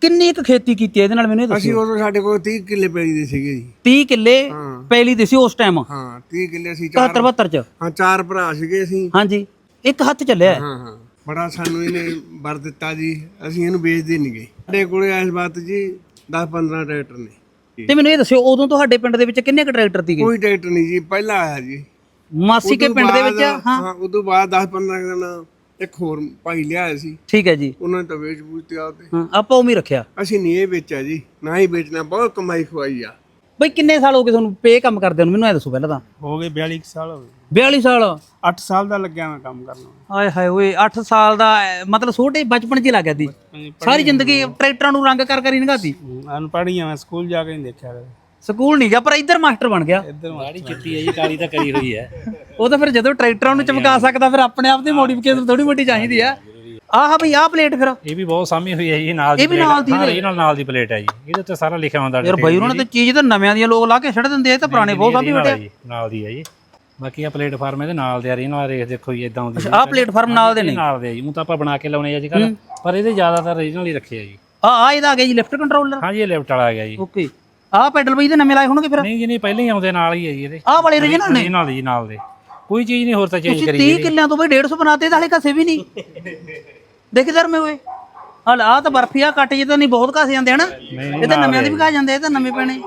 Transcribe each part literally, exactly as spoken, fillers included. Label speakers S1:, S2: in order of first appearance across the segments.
S1: ਕਿੰਨੀ ਕੁ ਖੇਤੀ ਕੀਤੀ ਇਹਦੇ ਨਾਲ ਮੈਨੂੰ ਇਹ ਦੱਸੋ।
S2: ਅਸੀਂ ਉਦੋਂ ਸਾਡੇ ਕੋਲ ਤੀਹ ਕਿੱਲੇ ਪੈਲੀ ਦੇ ਸੀਗੇ ਜੀ।
S1: ਤੀਹ ਕਿੱਲੇ ਪੈਲੀ ਦੇ ਸੀ ਉਸ ਟਾਈਮ?
S2: ਹਾਂ ਤੀਹ ਕਿੱਲੇ ਅਸੀਂ
S1: ਇਕਹੱਤਰ ਬਹੱਤਰ ਚ।
S2: ਹਾਂ ਚਾਰ ਭਰਾ ਸੀਗੇ ਅਸੀਂ।
S1: ਹਾਂਜੀ ਇੱਕ ਹੱਥ ਚੱਲਿਆ।
S2: ਹਾਂ ਹਾਂ ਬੜਾ ਸਾਨੂੰ ਇਹਨੇ ਵਰ ਦਿੱਤਾ ਜੀ, ਅਸੀਂ ਇਹਨੂੰ ਵੇਚਦੇ ਨਹੀਂ ਗਏ। ਸਾਡੇ ਕੋਲੇ ਇਸ ਵਕਤ ਜੀ ਦਸ ਪੰਦਰਾਂ ਟਰੈਕਟਰ ਨੇ।
S1: ਤੇ ਮੈਨੂੰ ਇਹ ਦੱਸਿਓ ਉਦੋਂ ਤੁਹਾਡੇ ਪਿੰਡ ਦੇ ਵਿੱਚ ਕਿੰਨੇ ਕੁ ਟਰੈਕਟਰ ਸੀਗੇ?
S2: ਕੋਈ ਟਰੈਕਟਰ ਨਹੀਂ ਜੀ, ਪਹਿਲਾਂ ਆਇਆ ਜੀ
S1: ਮਾਸੀ ਕੇ ਪਿੰਡ ਦੇ ਵਿੱਚ।
S2: ਹਾਂ ਉਦੋਂ ਬਾਅਦ ਦਸ ਪੰਦਰਾਂ ਦਿਨ ਇੱਕ ਹੋਰ ਭਾਈ ਲਿਆਇਆ ਸੀ।
S1: ਠੀਕ ਹੈ ਜੀ।
S2: ਉਹਨਾਂ ਨੇ ਤਾਂ ਵੇਚ ਬੂਝ ਤੇ ਆਪਦੇ।
S1: ਹਾਂ ਆਪਾਂ ਉਵੇਂ ਰੱਖਿਆ।
S2: ਅਸੀਂ ਨਹੀਂ ਇਹ ਵੇਚਿਆ ਜੀ, ਨਾ ਹੀ ਵੇਚਣਾ। ਬਹੁਤ ਕਮਾਈ ਖਵਾਈ ਆ।
S1: ਬਈ ਕਿੰਨੇ ਸਾਲ ਹੋ ਗਏ ਤੁਹਾਨੂੰ ਪੇ ਕੰਮ ਕਰਦੇ ਨੂੰ? ਮੈਨੂੰ ਇਹ ਦੱਸੋ ਪਹਿਲਾਂ ਤਾਂ।
S3: ਹੋ ਗਏ ਬਿਆਲੀ ਸਾਲ ਹੋ ਗਏ।
S1: ਬਿਆਲੀ ਸਾਲ?
S3: ਅੱਠ ਸਾਲ ਦਾ ਲੱਗਿਆ ਮੈਂ ਕੰਮ ਕਰਨਾ।
S1: ਆਏ ਹਾਏ ਓਏ ਅੱਠ ਸਾਲ ਦਾ ਮਤਲਬ ਛੋਟੇ ਬਚਪਨ 'ਚ ਹੀ ਲੱਗ ਗਿਆ ਸੀ। ਸਾਰੀ ਜ਼ਿੰਦਗੀ ਟਰੈਕਟਰਾਂ ਨੂੰ ਰੰਗ ਕਰ ਕਰ ਹੀ ਲੰਘਾਤੀ।
S3: ਅਨਪੜ੍ਹ ਆ ਮੈਂ, ਸਕੂਲ ਜਾ ਕੇ ਨਹੀਂ ਦੇਖਿਆ ਕਦੇ।
S1: ਸਕੂਲ ਨਹੀਂ ਗਿਆ ਪਰ ਇੱਧਰ ਮਾਸਟਰ ਬਣ ਗਿਆ।
S3: ਇੱਧਰ ਮਾੜੀ ਚਿੱਟੀ ਹੈ ਜੀ, ਕਾਲੀ ਤਾਂ ਕਰੀ ਹੋਈ ਹੈ।
S1: ਉਹ ਤਾਂ ਫਿਰ ਜਦੋਂ ਟਰੈਕਟਰਾਂ ਨੂੰ ਚਮਕਾ ਸਕਦਾ ਫਿਰ ਆਪਣੇ ਆਪ ਦੀ ਮੋਡੀਫਿਕੇਸ਼ਨ ਥੋੜੀ ਮੋਟੀ ਚਾਹੀਦੀ ਆ। ਆਹ ਬਈ ਆਹ ਪਲੇਟ ਫਿਰ
S4: ਇਹ ਵੀ ਬਹੁਤ ਸਾਮੀ ਹੋਈ ਹੈ ਜੀ ਨਾਲ ਦੀ।
S1: ਇਹ ਵੀ ਨਾਲ ਦੀ
S4: ਹਾਂ ਇਹ ਨਾਲ ਨਾਲ ਦੀ ਪਲੇਟ ਹੈ ਜੀ। ਇਹਦੇ ਉੱਤੇ ਸਾਰਾ ਲਿਖਿਆ ਹੁੰਦਾ
S1: ਯਾਰ ਬਈ ਉਹਨਾਂ ਨੇ ਤਾਂ ਚੀਜ਼ ਤਾਂ ਨਵਿਆਂ ਦੀਆਂ ਲੋਕ ਲਾ ਕੇ ਛੱਡ ਦਿੰਦੇ ਆ, ਤਾਂ ਪੁਰਾਣੇ ਬਹੁਤ ਸਾਂਭੀ ਬੈਠੇ ਆ।
S4: ਨਾਲ ਦੀ ਹੈ ਜੀ। ਬਾਕੀ ਆ ਪਲੇਟਫਾਰਮ ਇਹਦੇ ਨਾਲ ਦੇ ਆ ਰਹੀ ਨਾਲ ਰੇਖ ਦੇਖੋ ਜੀ ਇਦਾਂ ਆਉਂਦੀ।
S1: ਆਹ ਪਲੇਟਫਾਰਮ ਨਾਲ ਦੇ ਨੇ?
S4: ਨਾਲ ਦੇ ਜੀ। ਉਹ ਤਾਂ ਆਪਾਂ ਬਣਾ ਕੇ ਲਾਉਣੇ ਆ ਅੱਜ ਕੱਲ, ਪਰ ਇਹਦੇ ਜ਼ਿਆਦਾਤਰ ਰੀਜਨਲ ਹੀ ਰੱਖੇ ਆ ਜੀ।
S1: ਆ ਆ ਇਹਦਾ ਆ ਗਿਆ ਜੀ ਲਿਫਟ ਕੰਟਰੋਲਰ।
S4: ਹਾਂ ਜੀ ਇਹ ਲਿਫਟ ਵਾਲਾ ਆ ਗਿਆ ਜੀ।
S1: ਓਕੇ ਆਹ ਪੈਡਲ ਬਈ ਇਹਦੇ ਨਵੇਂ ਲਾਏ ਹੋਣਗੇ ਫਿਰ?
S4: ਨਹੀਂ ਜੀ ਨਹੀਂ ਪਹਿਲਾਂ ਹੀ ਆਉਂਦੇ ਨਾਲ ਹੀ ਹੈ ਜੀ ਇਹਦੇ।
S1: ਆਹ ਵਾਲੇ ਰੀਜਨਲ ਨੇ?
S4: ਨਾਲ ਜੀ ਨਾਲ ਦੇ ਕੋਈ ਚੀਜ਼ ਨਹੀਂ ਹੋਰ ਤਾਂ ਚੇਂਜ ਕਰੀ।
S1: ਤੀਹ ਕਿੱਲਿਆਂ ਤੋਂ ਬਈ ਡੇਢ ਸੌ ਬਣਾਤੇ ਤਾਂ ਹਲੇ ਘਸੇ ਵੀ ਨਹੀਂ। ਦੇਖ ਇਧਰ ਮੇ ਓਏ ਹਲ ਆ ਤਾਂ ਬਰਫੀ ਆ ਕੱਟ ਜੇ ਤਾਂ ਨਹੀਂ ਬਹੁਤ ਘਸ ਜਾਂਦੇ ਹਨ। ਇਹ ਤਾਂ ਨਵਿਆਂ ਦੇ ਵੀ ਘਸ ਜਾਂਦੇ, ਇਹ ਤਾਂ ਨਵੇਂ ਪੈਣੇ।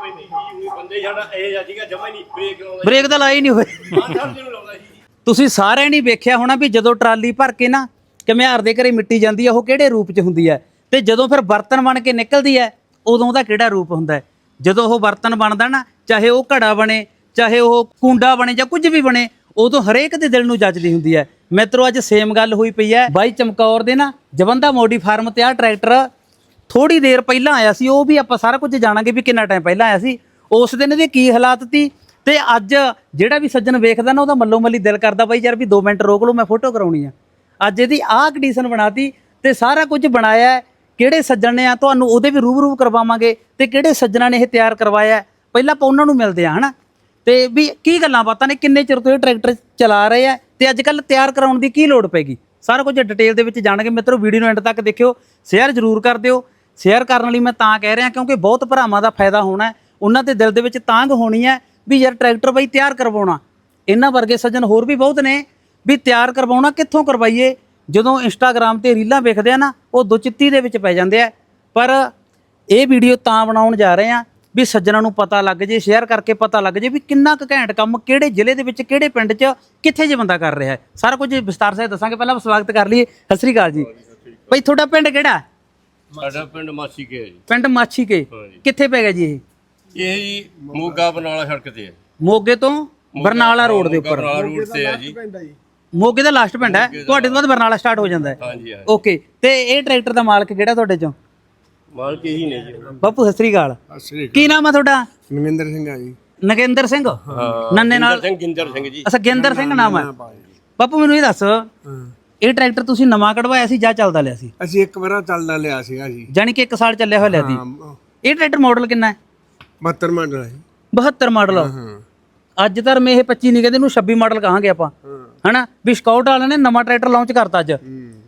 S1: ਬ੍ਰੇਕ ਤਾਂ ਲਾਈ ਨਹੀਂ ਹੋਏ। ਤੁਸੀਂ ਸਾਰਿਆਂ ਨੇ ਵੇਖਿਆ ਹੋਣਾ ਵੀ ਜਦੋਂ ਟਰਾਲੀ ਭਰ ਕੇ ਨਾ ਘੁਮਿਆਰ ਦੇ ਘਰੇ ਮਿੱਟੀ ਜਾਂਦੀ ਆ ਉਹ ਕਿਹੜੇ ਰੂਪ 'ਚ ਹੁੰਦੀ ਹੈ, ਤੇ ਜਦੋਂ ਫਿਰ ਬਰਤਨ ਬਣ ਕੇ ਨਿਕਲਦੀ ਹੈ ਉਦੋਂ ਉਹਦਾ ਕਿਹੜਾ ਰੂਪ ਹੁੰਦਾ ਹੈ। ਜਦੋਂ ਉਹ ਬਰਤਨ ਬਣਦਾ ਨਾ, ਚਾਹੇ ਉਹ ਘੜਾ ਬਣੇ, ਚਾਹੇ ਉਹ ਕੁੰਡਾ ਬਣੇ ਜਾਂ ਕੁਝ ਵੀ ਬਣੇ, ਉਦੋਂ ਹਰੇਕ ਦੇ ਦਿਲ ਨੂੰ ਜੱਜਦੀ ਹੁੰਦੀ ਹੈ। ਮਿੱਤਰੋ ਅੱਜ ਸੇਮ ਗੱਲ ਹੋਈ ਪਈ ਹੈ ਬਾਈ ਚਮਕੌਰ ਦੇ ਨਾ ਜਵੰਦਾ ਮੋਡੀ ਫਾਰਮ ਤੇ। ਆ ਟਰੈਕਟਰ ਥੋੜੀ ਦੇਰ ਪਹਿਲਾਂ ਆਇਆ ਸੀ, ਉਹ ਵੀ ਆਪਾਂ ਸਾਰਾ ਕੁਝ ਜਾਣਾਂਗੇ ਵੀ ਕਿੰਨਾ ਟਾਈਮ ਪਹਿਲਾਂ ਆਇਆ ਸੀ, ਉਸ ਦਿਨ ਇਹਦੇ ਕੀ ਹਾਲਾਤ ਸੀ। ਤੇ ਅੱਜ ਜਿਹੜਾ ਵੀ ਸੱਜਣ ਵੇਖਦਾ ਨਾ ਉਹਦਾ ਮੱਲੋ ਮੱਲੀ ਦਿਲ ਕਰਦਾ ਬਾਈ ਯਾਰ ਵੀ ਦੋ ਮਿੰਟ ਰੋਕ ਲਓ ਮੈਂ ਫੋਟੋ ਕਰਾਉਣੀ ਆ। ਅੱਜ ਇਹਦੀ ਆਹ ਕੰਡੀਸ਼ਨ ਬਣਾਤੀ ਤੇ ਸਾਰਾ ਕੁਝ ਬਣਾਇਆ। ਕਿਹੜੇ ਸੱਜਣ ਨੇ ਆ ਤੁਹਾਨੂੰ ਉਹਦੇ ਵੀ ਰੂਬਰੂ ਕਰਵਾਵਾਂਗੇ, ਤੇ ਕਿਹੜੇ ਸੱਜਣਾਂ ਨੇ ਇਹ ਤਿਆਰ ਕਰਵਾਇਆ ਪਹਿਲਾਂ ਆਪਾਂ ਉਹਨਾਂ ਨੂੰ ਮਿਲਦੇ ਆ ਹਨਾ, ਤੇ ਵੀ ਕੀ ਗੱਲਾਂ ਬਾਤਾਂ ਨੇ, ਕਿੰਨੇ ਚਿਰ ਤੋਂ ਇਹ ਟਰੈਕਟਰ ਚਲਾ ਰਹੇ ਆ ਤੇ ਅੱਜ ਕੱਲ੍ਹ ਤਿਆਰ ਕਰਾਉਣ ਦੀ ਕੀ ਲੋੜ ਪੈਗੀ, ਸਾਰਾ ਕੁਝ ਡਿਟੇਲ ਦੇ ਵਿੱਚ ਜਾਣਾਂਗੇ। ਮਿੱਤਰੋ ਵੀਡੀਓ ਨੂੰ ਐਂਡ ਤੱਕ ਦੇਖਿਓ, ਸ਼ੇਅਰ ਜ਼ਰੂਰ ਕਰ ਦਿਓ। ਸ਼ੇਅਰ ਕਰਨ ਲਈ ਮੈਂ ਤਾਂ ਕਹਿ ਰਿਹਾ ਕਿਉਂਕਿ ਬਹੁਤ ਭਰਾਵਾਂ ਦਾ ਫਾਇਦਾ ਹੋਣਾ, ਉਹਨਾਂ ਦੇ ਦਿਲ ਦੇ ਵਿੱਚ ਤਾਂਘ ਹੋਣੀ ਹੈ ਵੀ ਯਾਰ ਟਰੈਕਟਰ ਬਾਈ ਤਿਆਰ ਕਰਵਾਉਣਾ। ਇਹਨਾਂ ਵਰਗੇ ਸੱਜਣ ਹੋਰ ਵੀ ਬਹੁਤ ਨੇ ਵੀ ਤਿਆਰ ਕਰਵਾਉਣਾ ਕਿੱਥੋਂ ਕਰਵਾਈਏ। ਜਦੋਂ ਇੰਸਟਾਗ੍ਰਾਮ ਤੇ ਰੀਲਾਂ ਵੇਖਦੇ ਆ ਨਾ ਉਹ ਦੁਚਿੱਤੀ ਦੇ ਵਿੱਚ ਪੈ ਜਾਂਦੇ ਆ। ਪਰ ਇਹ ਵੀਡੀਓ ਤਾਂ ਬਣਾਉਣ ਜਾ ਰਹੇ ਆ ਵੀ ਸੱਜਣਾਂ ਨੂੰ ਪਤਾ ਲੱਗ ਜੇ, ਸ਼ੇਅਰ ਕਰਕੇ ਪਤਾ ਲੱਗ ਜੇ ਵੀ ਕਿੰਨਾ ਕੁ ਘੈਂਟ ਕੰਮ ਕਿਹੜੇ ਜ਼ਿਲ੍ਹੇ ਦੇ ਵਿੱਚ, ਕਿਹੜੇ ਪਿੰਡ 'ਚ, ਕਿੱਥੇ ਜੇ ਬੰਦਾ ਕਰ ਰਿਹਾ ਹੈ। ਸਾਰਾ ਕੁਝ ਵਿਸਤਾਰ ਸਹਿਤ ਦੱਸਾਂਗੇ। ਪਹਿਲਾਂ ਸਵਾਗਤ ਕਰ ਲਈਏ। ਸਤਿ ਸ੍ਰੀ ਅਕਾਲ ਜੀ। ਭਾਈ ਤੁਹਾਡਾ ਪਿੰਡ ਕਿਹੜਾ?
S5: ਸਾਡਾ ਪਿੰਡ ਮਾਛੀ ਕੇ ਹੈ ਜੀ।
S1: ਪਿੰਡ ਮਾਛੀ ਕੇ ਕਿੱਥੇ ਪੈ ਗਿਆ ਜੀ ਇਹ?
S5: ਇਹ ਜੀ ਮੋਗਾ ਬਰਨਾਲਾ ਸੜਕ ਤੇ ਹੈ।
S1: ਮੋਗੇ ਤੋਂ ਬਰਨਾਲਾ ਰੋਡ ਦੇ ਉੱਪਰ
S5: ਬਰਨਾਲਾ ਰੋਡ ਤੇ ਹੈ ਜੀ।
S1: ਮੋਗੇ ਦਾ ਲਾਸਟ ਪਿੰਡ ਹੈ ਤੁਹਾਡੇ ਤੋਂ ਬਾਅਦ ਬਰਨਾਲਾ ਸਟਾਰਟ ਹੋ ਜਾਂਦਾ ਹੈ।
S5: ਹਾਂਜੀ ਹਾਂ।
S1: ਓਕੇ ਤੇ ਇਹ ਟਰੈਕਟਰ ਦਾ ਮਾਲਕ ਕਿਹੜਾ ਤੁਹਾਡੇ ਚੋਂ?
S5: ਮਾਲਕ ਇਹੀ ਨੇ ਜੀ।
S1: ਬਾਪੂ ਸਤਿ ਸ੍ਰੀ ਅਕਾਲ।
S2: ਅਸਲੀ
S1: ਕੀ ਨਾਮ ਆ ਤੁਹਾਡਾ?
S2: ਨਵਿੰਦਰ ਸਿੰਘ ਆ ਜੀ।
S1: ਨਗਿੰਦਰ ਸਿੰਘ?
S5: ਹਾਂ
S1: ਨੰਨੇ ਨਾਲ
S5: ਸਿੰਘ ਗਿੰਦਰ ਸਿੰਘ ਜੀ।
S1: ਅੱਛਾ ਗਿੰਦਰ ਸਿੰਘ ਨਾਮ ਹੈ। ਬਾਪੂ ਮੈਨੂੰ ਇਹ ਦੱਸ ਇਹ ਟਰੈਕਟਰ ਤੁਸੀਂ ਨਵਾਂ ਕਢਵਾਇਆ ਸੀ ਜਾਂ ਚੱਲਦਾ ਲਿਆ ਸੀ?
S2: ਅਸੀਂ ਇੱਕ ਵਾਰ ਚੱਲਦਾ ਲਿਆ ਸੀਗਾ ਜੀ।
S1: ਜਾਨੀ ਕਿ ਇੱਕ ਸਾਲ ਚੱਲਿਆ ਹੋਇਆ ਲਿਆ ਸੀ। ਇਹ ਟਰੈਕਟਰ ਮਾਡਲ ਕਿੰਨਾ ਹੈ?
S2: ਬਹੱਤਰ ਮਾਡਲ ਹੈ।
S1: ਬਹੱਤਰ ਮਾਡਲ? ਅੱਜ ਤਾਂ ਮੈਂ ਇਹ ਪੱਚੀ ਨਹੀਂ ਕਹਿੰਦੇ, ਇਹਨੂੰ ਛੱਬੀ ਮਾਡਲ ਕਹਾਂਗੇ ਆਪਾਂ ਹਨਾ। ਵੀ ਸਕਾਊਟ ਵਾਲਿਆਂ ਨੇ ਨਵਾਂ ਟਰੈਕਟਰ ਲਾਂਚ ਕਰਤਾ ਅੱਜ।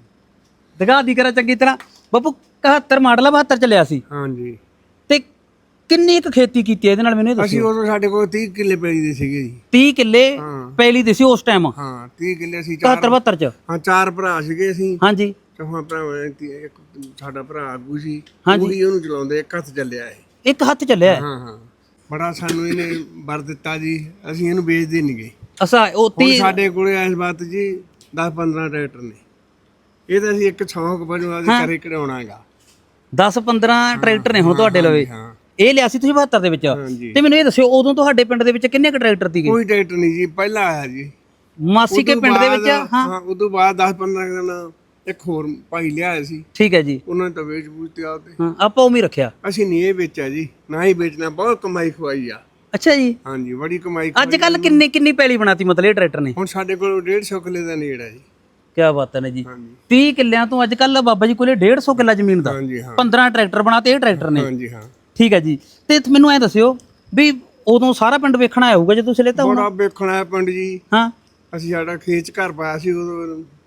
S1: ਦਿਖਾ ਦੀ ਕਰਾ ਚੰਗੀ ਤਰ੍ਹਾਂ। ਬਾਪੂ ਇਕਹੱਤਰ ਮਾਡਲ ਆ, ਬਹੱਤਰ ਚੱਲਿਆ ਸੀ।
S2: ਹਾਂਜੀ।
S1: ਤੇ ਕਿੰਨੀ ਕੁ ਖੇਤੀ ਕੀਤੀ ਇਹਦੇ ਨਾਲ ਮੈਨੂੰ ਇਹ ਦੱਸੋ।
S2: ਅਸੀਂ ਉਦੋਂ ਸਾਡੇ ਕੋਲ ਤੀਹ ਕਿੱਲੇ ਪੈਲੀ ਦੇ ਸੀਗੇ ਜੀ।
S1: ਤੀਹ ਕਿੱਲੇ ਪੈਲੀ ਦੇ ਸੀ ਉਸ ਟਾਈਮ?
S2: ਹਾਂ ਤੀਹ ਕਿੱਲੇ ਅਸੀਂ
S1: ਇਕਹੱਤਰ ਬਹੱਤਰ ਚ।
S2: ਹਾਂ ਚਾਰ ਭਰਾ ਸੀਗੇ ਅਸੀਂ।
S1: ਹਾਂਜੀ।
S2: ਚੌਹਾਂ ਭਰਾਵਾਂ ਇੱਕ ਸਾਡਾ ਭਰਾ ਆਗੂ ਸੀ, ਉਹੀ ਉਹਨੂੰ ਚਲਾਉਂਦੇ। ਇੱਕ ਹੱਥ ਚੱਲਿਆ ਇਹ।
S1: ਇੱਕ ਹੱਥ ਚੱਲਿਆ?
S2: ਹਾਂ ਹਾਂ ਬੜਾ ਸਾਨੂੰ ਇਹਨੇ ਵਰ ਦਿੱਤਾ ਜੀ, ਅਸੀਂ ਇਹਨੂੰ ਵੇਚਦੇ ਨਹੀਂ ਗਏ।
S1: ਅੱਛਾ ਉਹ
S2: ਹੁਣ ਸਾਡੇ ਕੋਲੇ ਇਸ ਵਕਤ ਜੀ ਦਸ ਪੰਦਰਾਂ ਟਰੈਕਟਰ ਨੇ। ਇਹ ਤਾਂ ਅਸੀਂ ਇੱਕ ਸ਼ੌਂਕ ਵਜੋਂ ਆਦੇ ਘਰੇ ਕਢਾਉਣਾ ਹੈਗਾ।
S1: ਦਸ ਪੰਦਰਾਂ ਟਰੈਕਟਰ ਨੇ ਹੁਣ ਤੁਹਾਡੇ ਲਵੇ? ਇਹ ਲਿਆ ਸੀ ਤੁਸੀਂ ਬਹੱਤਰ ਦੇ ਵਿੱਚ? ਤੇ ਮੈਨੂੰ ਇਹ ਦੱਸਿਓ ਉਦੋਂ ਤੁਹਾਡੇ ਪਿੰਡ ਦੇ ਵਿੱਚ ਕਿੰਨੇ ਕੁ ਟਰੈਕਟਰ ਸੀਗੇ?
S2: ਕੋਈ ਟਰੈਕਟਰ ਨਹੀਂ ਜੀ, ਪਹਿਲਾਂ ਆਇਆ ਜੀ
S1: ਮਾਸੀ ਕੇ ਪਿੰਡ ਦੇ ਵਿੱਚ।
S2: ਹਾਂ ਉਦੋਂ ਬਾਅਦ ਦਸ ਪੰਦਰਾਂ ਦਿਨ ਇੱਕ ਹੋਰ ਭਾਈ ਲਿਆਇਆ ਸੀ।
S1: ਠੀਕ ਹੈ ਜੀ।
S2: ਉਹਨਾਂ ਨੇ ਤਾਂ ਵੇਚ ਬੂਝ ਤੇ ਆਪਦੇ।
S1: ਹਾਂ ਆਪਾਂ ਉਵੇਂ ਰੱਖਿਆ।
S2: ਅਸੀਂ ਨਹੀਂ ਇਹ ਵੇਚਿਆ ਜੀ, ਨਾ ਹੀ ਵੇਚਣਾ। ਬਹੁਤ ਕਮਾਈ ਖਵਾਈ ਆ।
S1: ਅੱਛਾ ਜੀ।
S2: ਹਾਂਜੀ ਬੜੀ ਕਮਾਈ।
S1: ਅੱਜ ਕੱਲ ਕਿੰਨੀ ਕਿੰਨੀ ਪੈਲੀ ਬਣਾਤੀ ਮਤਲਬ ਇਹ ਟਰੈਕਟਰ ਨੇ?
S2: ਹੁਣ ਸਾਡੇ ਕੋਲ ਡੇਢ ਸੌ ਕਿੱਲੇ ਦਾ ਨੇੜਾ ਜੀ।
S1: ਕਿਆ ਬਾਤ ਹੈ ਜੀ। ਤੀਹ ਕਿੱਲਿਆਂ ਤੋਂ ਅੱਜ ਕੱਲ ਬਾਬਾ ਜੀ ਕੋਲੇ ਡੇਢ ਸੌ ਕਿੱਲਾ ਜ਼ਮੀਨ ਦਾ ਪੰਦਰਾਂ ਟਰੈਕਟਰ ਬਣਾਤੇ ਇਹ ਟਰੈਕਟਰ ਨੇ।
S2: ਹਾਂਜੀ ਹਾਂ
S1: ਠੀਕ ਹੈ ਜੀ। ਤੇ ਮੈਨੂੰ ਐ ਦੱਸਿਓ ਵੀ ਉਦੋਂ ਸਾਰਾ ਪਿੰਡ ਵੇਖਣ ਆਇਆ ਹੋਊਗਾ ਜੇ ਤੁਸੀਂ ਲੈਤਾ ਹੋਣਾ?
S2: ਬੜਾ ਵੇਖਣ ਆਇਆ ਪਿੰਡ ਜੀ।
S1: ਹਾਂ
S2: ਅਸੀਂ ਸਾਡਾ ਖੇਤ ਘਰ ਪਾਇਆ ਸੀ ਉਦੋਂ।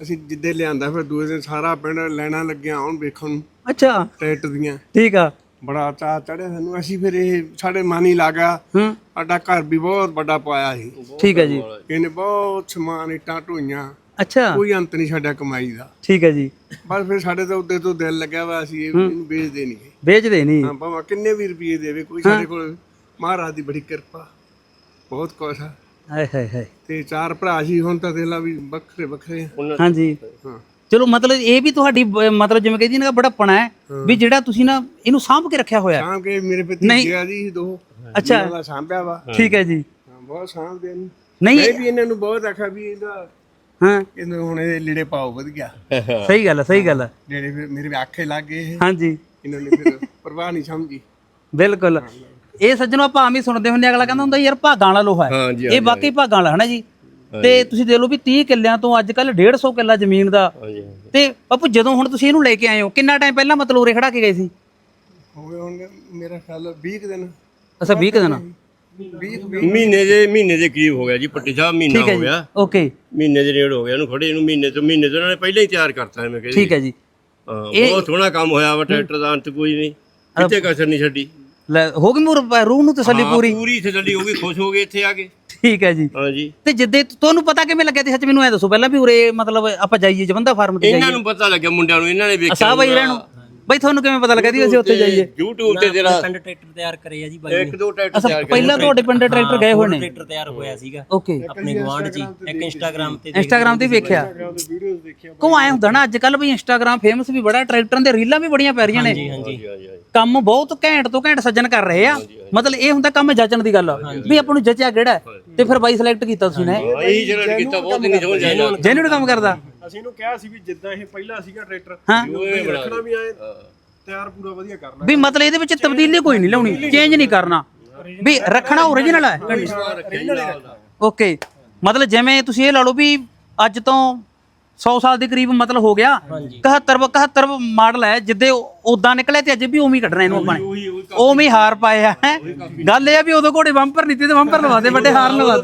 S2: ਅਸੀਂ ਜਿੱਦੇ ਲਿਆਂਦਾ ਫਿਰ ਦੂਏ ਦਿਨ ਸਾਰਾ ਪਿੰਡ ਲੈਣਾ ਲੱਗਿਆ ਹੁਣ ਵੇਖਣ ਨੂੰ
S1: ਅੱਛਾ
S2: ਟਰੈਕਟਰ ਦੀਆਂ।
S1: ਠੀਕ ਆ।
S2: ਬੜਾ ਚਾਅ ਚੜਿਆ ਸਾਨੂੰ। ਅਸੀਂ ਫਿਰ ਇਹ ਸਾਡੇ ਮਨ ਹੀ ਲੱਗ ਗਿਆ।
S1: ਹੂੰ
S2: ਸਾਡਾ ਘਰ ਵੀ ਬਹੁਤ ਵੱਡਾ ਪਾਇਆ ਸੀ।
S1: ਠੀਕ ਹੈ ਜੀ।
S2: ਇਹਨੇ ਬਹੁਤ ਸਮਾਨ ਇੱਟਾਂ ਢੋਈਆਂ,
S1: ਅੱਛਾ
S2: ਕੋਈ ਅੰਤ ਨਹੀਂ ਸਾਡਾ ਕਮਾਈ ਦਾ।
S1: ਠੀਕ ਹੈ ਜੀ।
S2: ਬਸ ਫਿਰ ਸਾਡੇ ਤਾਂ ਉੱਤੇ ਤੋਂ ਦਿਲ ਲੱਗਿਆ ਵਾ ਅਸੀਂ ਇਹ- ਇਹਨੂੰ ਵੇਚਦੇ ਨਹੀਂ।
S1: ਵੇਚਦੇ ਨਹੀਂ।
S2: ਹਾਂ ਭਾਵੇਂ ਕਿੰਨੇ ਵੀ ਰੁਪਏ ਦੇਵੇ ਕੋਈ ਸਾਡੇ ਕੋਲ ਮਹਾਰਾਜ ਦੀ ਬੜੀ ਕਿਰਪਾ, ਬਹੁਤ ਕੁਛ ਆ।
S1: ਹਾਏ ਹਾਏ ਹਾਏ।
S2: ਤੇ ਚਾਰ ਭਰਾ ਸੀ, ਹੁਣ ਤਾਂ ਦੇਲਾ ਵੀ ਵੱਖਰੇ ਵੱਖਰੇ ਆ।
S1: ਹਾਂਜੀ
S2: ਹਾਂ
S1: ਚਲੋ ਮਤਲਬ ਇਹ ਵੀ ਤੁਹਾਡੀ ਬ- ਮਤਲਬ ਜਿਵੇਂ ਕਹਿੰਦੀ ਨਾ ਬੜਾਪਣਾ ਹੈ ਵੀ ਜਿਹੜਾ ਤੁਸੀਂ ਨਾ ਇਹਨੂੰ ਸਾਂਭ ਕੇ ਰੱਖਿਆ ਹੋਇਆ।
S2: ਸਾਂਭ ਕੇ ਮੇਰੇ ਭਤੀਜੇ ਆ ਜੀ ਦੋ।
S1: ਅੱਛਾ
S2: ਇਹਨਾਂ ਦਾ ਸਾਂਭਿਆ ਵਾ।
S1: ਠੀਕ ਹੈ ਜੀ।
S2: ਹਾਂ ਬਹੁਤ ਸਾਂਭਦੇ ਨੇ।
S1: ਨਹੀਂ
S2: ਮੈਂ ਵੀ ਇਹਨਾਂ ਨੂੰ ਬਹੁਤ ਆਖਿਆ ਵੀ ਇਹਦਾ
S1: ਹਾਂ
S2: ਇਹਨੂੰ ਹੁਣ ਇਹ ਲੀੜੇ ਪਾਓ ਵਧੀਆ।
S1: ਸਹੀ ਗੱਲ ਹੈ ਸਹੀ ਗੱਲ ਹੈ।
S2: ਜਿਹੜੇ ਫਿਰ ਮੇਰੇ ਆਖੇ ਲੱਗ ਗਏ ਇਹ।
S1: ਹਾਂਜੀ
S2: ਇਹਨਾਂ ਨੇ ਫਿਰ ਪਰਵਾਹ ਨਹੀਂ ਸਮਝੀ।
S1: ਬਿਲਕੁਲ। ਇਹ ਸੱਜਣੋ ਆਪਾਂ ਆਮ ਹੀ ਸੁਣਦੇ ਹੁੰਦੇ, ਅਗਲਾ ਕਹਿੰਦਾ ਹੁੰਦਾ ਯਾਰ ਭਾਗਾਂ ਵਾਲਾ ਲੋਹਾ ਹੈ।
S5: ਹਾਂਜੀ,
S1: ਇਹ ਵਾਕਈ ਭਾਗਾਂ ਵਾਲਾ ਹੈ ਨਾ ਜੀ। ਤੇ ਤੁਸੀਂ ਦੇਖ ਲਓ ਵੀ ਤੀਹ ਕਿੱਲਿਆਂ ਤੋਂ ਅੱਜ ਕੱਲ ਡੇਢ ਸੌ ਕਿੱਲਾ ਜ਼ਮੀਨ ਦਾ।
S5: ਹਾਂਜੀ
S1: ਤੇ ਬਾਪੂ ਜਦੋਂ ਹੁਣ ਤੁਸੀਂ ਇਹਨੂੰ ਲੈ ਕੇ ਆਏ ਹੋ ਕਿੰਨਾ ਟਾਈਮ ਪਹਿਲਾਂ ਮਤਲਬ ਉਰੇ ਖੜਾ ਕੇ ਗਏ ਸੀ?
S2: ਹੋ ਗਏ ਹੁਣ ਮੇਰਾ ਖਿਆਲ ਵੀਹ ਕੁ ਦਿਨ।
S1: ਅੱਛਾ ਵੀਹ ਕੁ ਦਿਨ।
S2: ਵੀਹ
S5: ਮਹੀਨੇ ਦੇ ਮਹੀਨੇ ਦੇ ਕਰੀਬ ਹੋ ਗਿਆ ਜੀ। ਪੱਟੀ ਸਾਹਿਬ ਮਹੀਨਾ
S1: ਠੀਕ ਹੈ
S5: ਹੋ
S1: ਜੀ
S5: ਗਿਆ।
S1: ਓਕੇ
S5: ਮਹੀਨੇ ਦੇ ਨੇੜ ਹੋ ਗਿਆ ਇਹਨੂੰ ਖੜੇ ਇਹਨੂੰ। ਮਹੀਨੇ ਤੋਂ ਮਹੀਨੇ ਤੋਂ ਇਹਨਾਂ ਨੇ ਪਹਿਲਾਂ ਹੀ ਤਿਆਰ ਕਰਤਾ ਮੈਂ ਕਹਿੰਦੀ।
S1: ਠੀਕ ਹੈ ਜੀ।
S5: ਹਾਂ ਬਹੁਤ ਸੋਹਣਾ ਕੰਮ ਹੋਇਆ ਵਾ। ਟਰੈਕਟਰ ਦਾ ਅੰਤ ਕੋਈ ਨਹੀਂ, ਕਿਤੇ ਕਸਰ ਨਹੀਂ ਛੱਡੀ।
S1: ਲੈ ਹੋ ਗਈ ਮੂਰ ਰੂਹ ਨੂੰ ਤਸੱਲੀ
S5: ਹਾਂ,
S1: ਪੂਰੀ।
S5: ਪੂਰੀ ਤਸੱਲੀ ਹੋ ਗਈ, ਖੁਸ਼ ਹੋ ਗਏ ਇੱਥੇ ਆ ਕੇ।
S1: ਠੀਕ ਹੈ ਜੀ।
S5: ਹਾਂਜੀ
S1: ਤੇ ਜਿੱਦੇ ਤੁਹਾਨੂੰ ਪਤਾ ਕਿਵੇਂ ਲੱਗਿਆ ਤੇ ਸੱਚ ਮੈਨੂੰ ਐ ਦੱਸੋ ਪਹਿਲਾਂ ਵੀ ਉਰੇ ਮਤਲਬ ਆਪਾਂ ਜਾਈਏ ਜਵੰਦਾ ਫਾਰਮ ਤੇ
S5: ਇਹਨਾਂ
S1: ਜਾਈਏ?
S5: ਨੂੰ ਪਤਾ ਲੱਗਿਆ ਮੁੰਡਿਆਂ ਨੂੰ, ਇਹਨਾਂ ਨੇ ਵੇਖਿਆ
S1: ਅਸਾਂ ਬਾਈ ਰਹਿਣ ਨੂੰ ਬਈ ਤੁਹਾਨੂੰ ਕਿਵੇਂ ਪਤਾ ਲੱਗਾ ਦੀ ਅਸੀਂ ਉੱਥੇ ਜਾਈਏ?
S5: YouTube ਤੇ ਤੇਰਾ
S4: ਪਿੰਡ ਟਰੈਕਟਰ ਤਿਆਰ ਕਰੇ ਆ ਜੀ ਬਾਈ
S5: ਇੱਕ ਦੋ ਟਰੈਕਟਰ
S1: ਅੱਛਾ
S5: ਤਿਆਰ
S1: ਪਹਿਲਾਂ ਤੁਹਾਡੇ ਪਿੰਡ ਟਰੈਕਟਰ ਗਏ ਹੋਏ ਨੇ?
S4: ਟਰੈਕਟਰ ਤਿਆਰ ਹੋਇਆ ਸੀਗਾ
S1: ਓਕੇ
S4: ਆਪਣੇ ਗਵਾਂਢ ਜੀ। ਇੱਕ ਇੰਸਟਾਗ੍ਰam ਤੇ
S1: ਇੰਸਟਾਗ੍ਰam ਤੇ ਵੇਖਿਆ। ਕੋ ਆਏ ਹੁੰਦਾ ਨਾ ਅੱਜ ਕੱਲ ਬਈ ਇੰਸਟਾਗ੍ਰam ਫੇਮਸ ਵੀ ਬੜਾ, ਟਰੈਕਟਰਾਂ ਦੇ ਰੀਲਾਂ ਵੀ ਬੜੀਆਂ ਪੈ ਰਹੀਆਂ ਨੇ।
S4: ਹਾਂਜੀ
S5: ਹਾਂਜੀ ਹਾਂਜੀ
S1: ਕੰਮ ਬਹੁਤ ਘੈਂਟ ਤੋਂ ਘੈਂਟ ਸੱਜਣ ਕਰ ਰਹੇ ਆ। ਮਤਲਬ ਇਹ ਹੁੰਦਾ ਕੰਮ ਜੱਜਣ ਦੀ ਗੱਲ ਵੀ ਆਪਾਂ ਨੂੰ ਜੱਜਿਆ ਕਿਹੜਾ ਹੈ। ਤੇ ਫਿਰ ਬਾਈ ਸਿਲੈਕਟ ਕੀਤਾ ਤੁਸੀਂ ਨੇ?
S5: ਹਾਂ, ਇਹੀ ਜਿਹੜਾ ਕੀਤਾ ਬਹੁਤ ਨਹੀਂ ਸਮਝ ਆਇਆ।
S1: ਜੈਨੂਨ ਕੰਮ ਕਰਦਾ।
S2: ਅਸੀਂ ਇਹਨੂੰ ਕਿਹਾ ਸੀ ਵੀ ਜਿੱਦਾਂ ਇਹ ਪਹਿਲਾਂ ਸੀਗਾ ਟਰੈਕਟਰ
S1: ਹਾਂ
S2: ਰੱਖਣਾ ਵੀ ਆਏ ਤਿਆਰ ਪੂਰਾ ਵਧੀਆ ਕਰਨਾ।
S1: ਵੀ ਮਤਲਬ ਇਹਦੇ ਵਿੱਚ ਤਬਦੀਲੀ ਕੋਈ ਨਹੀਂ ਲਾਉਣੀ, ਚੇਂਜ ਨਹੀਂ ਕਰਨਾ, ਵੀ ਰੱਖਣਾ ਓਰੀਜਨਲ ਹੈ। ਓਕੇ ਮਤਲਬ ਜਿਵੇਂ ਤੁਸੀਂ ਇਹ ਲਾ ਲਓ ਵੀ ਅੱਜ ਤੋਂ ਸੌ ਸਾਲ ਦੇ ਕਰੀਬ ਮਤਲਬ ਹੋ ਗਿਆ। ਇਕਹੱਤਰ ਇਕਹੱਤਰ ਮਾਡਲ ਹੈ, ਜਿੱਦੇ ਉਦਾਂ ਨਿਕਲੇ ਤੇ ਅੱਜ ਵੀ ਉਵੇਂ ਹੀ ਕੱਢਣਾ ਇਹਨੂੰ ਆਪਾਂ ਨੇ, ਉਵੇਂ ਹੀ ਹਾਰ ਪਾਏ ਆ। ਹੈਂ। ਗੱਲ ਇਹ ਆ ਵੀ ਉਦੋਂ ਘੋੜੇ ਬੰਪਰ ਨਹੀਂ ਤੇ ਬੰਪਰ ਲਵਾਦੇ, ਵੱਡੇ ਹਾਰ ਲਵਾਦੇ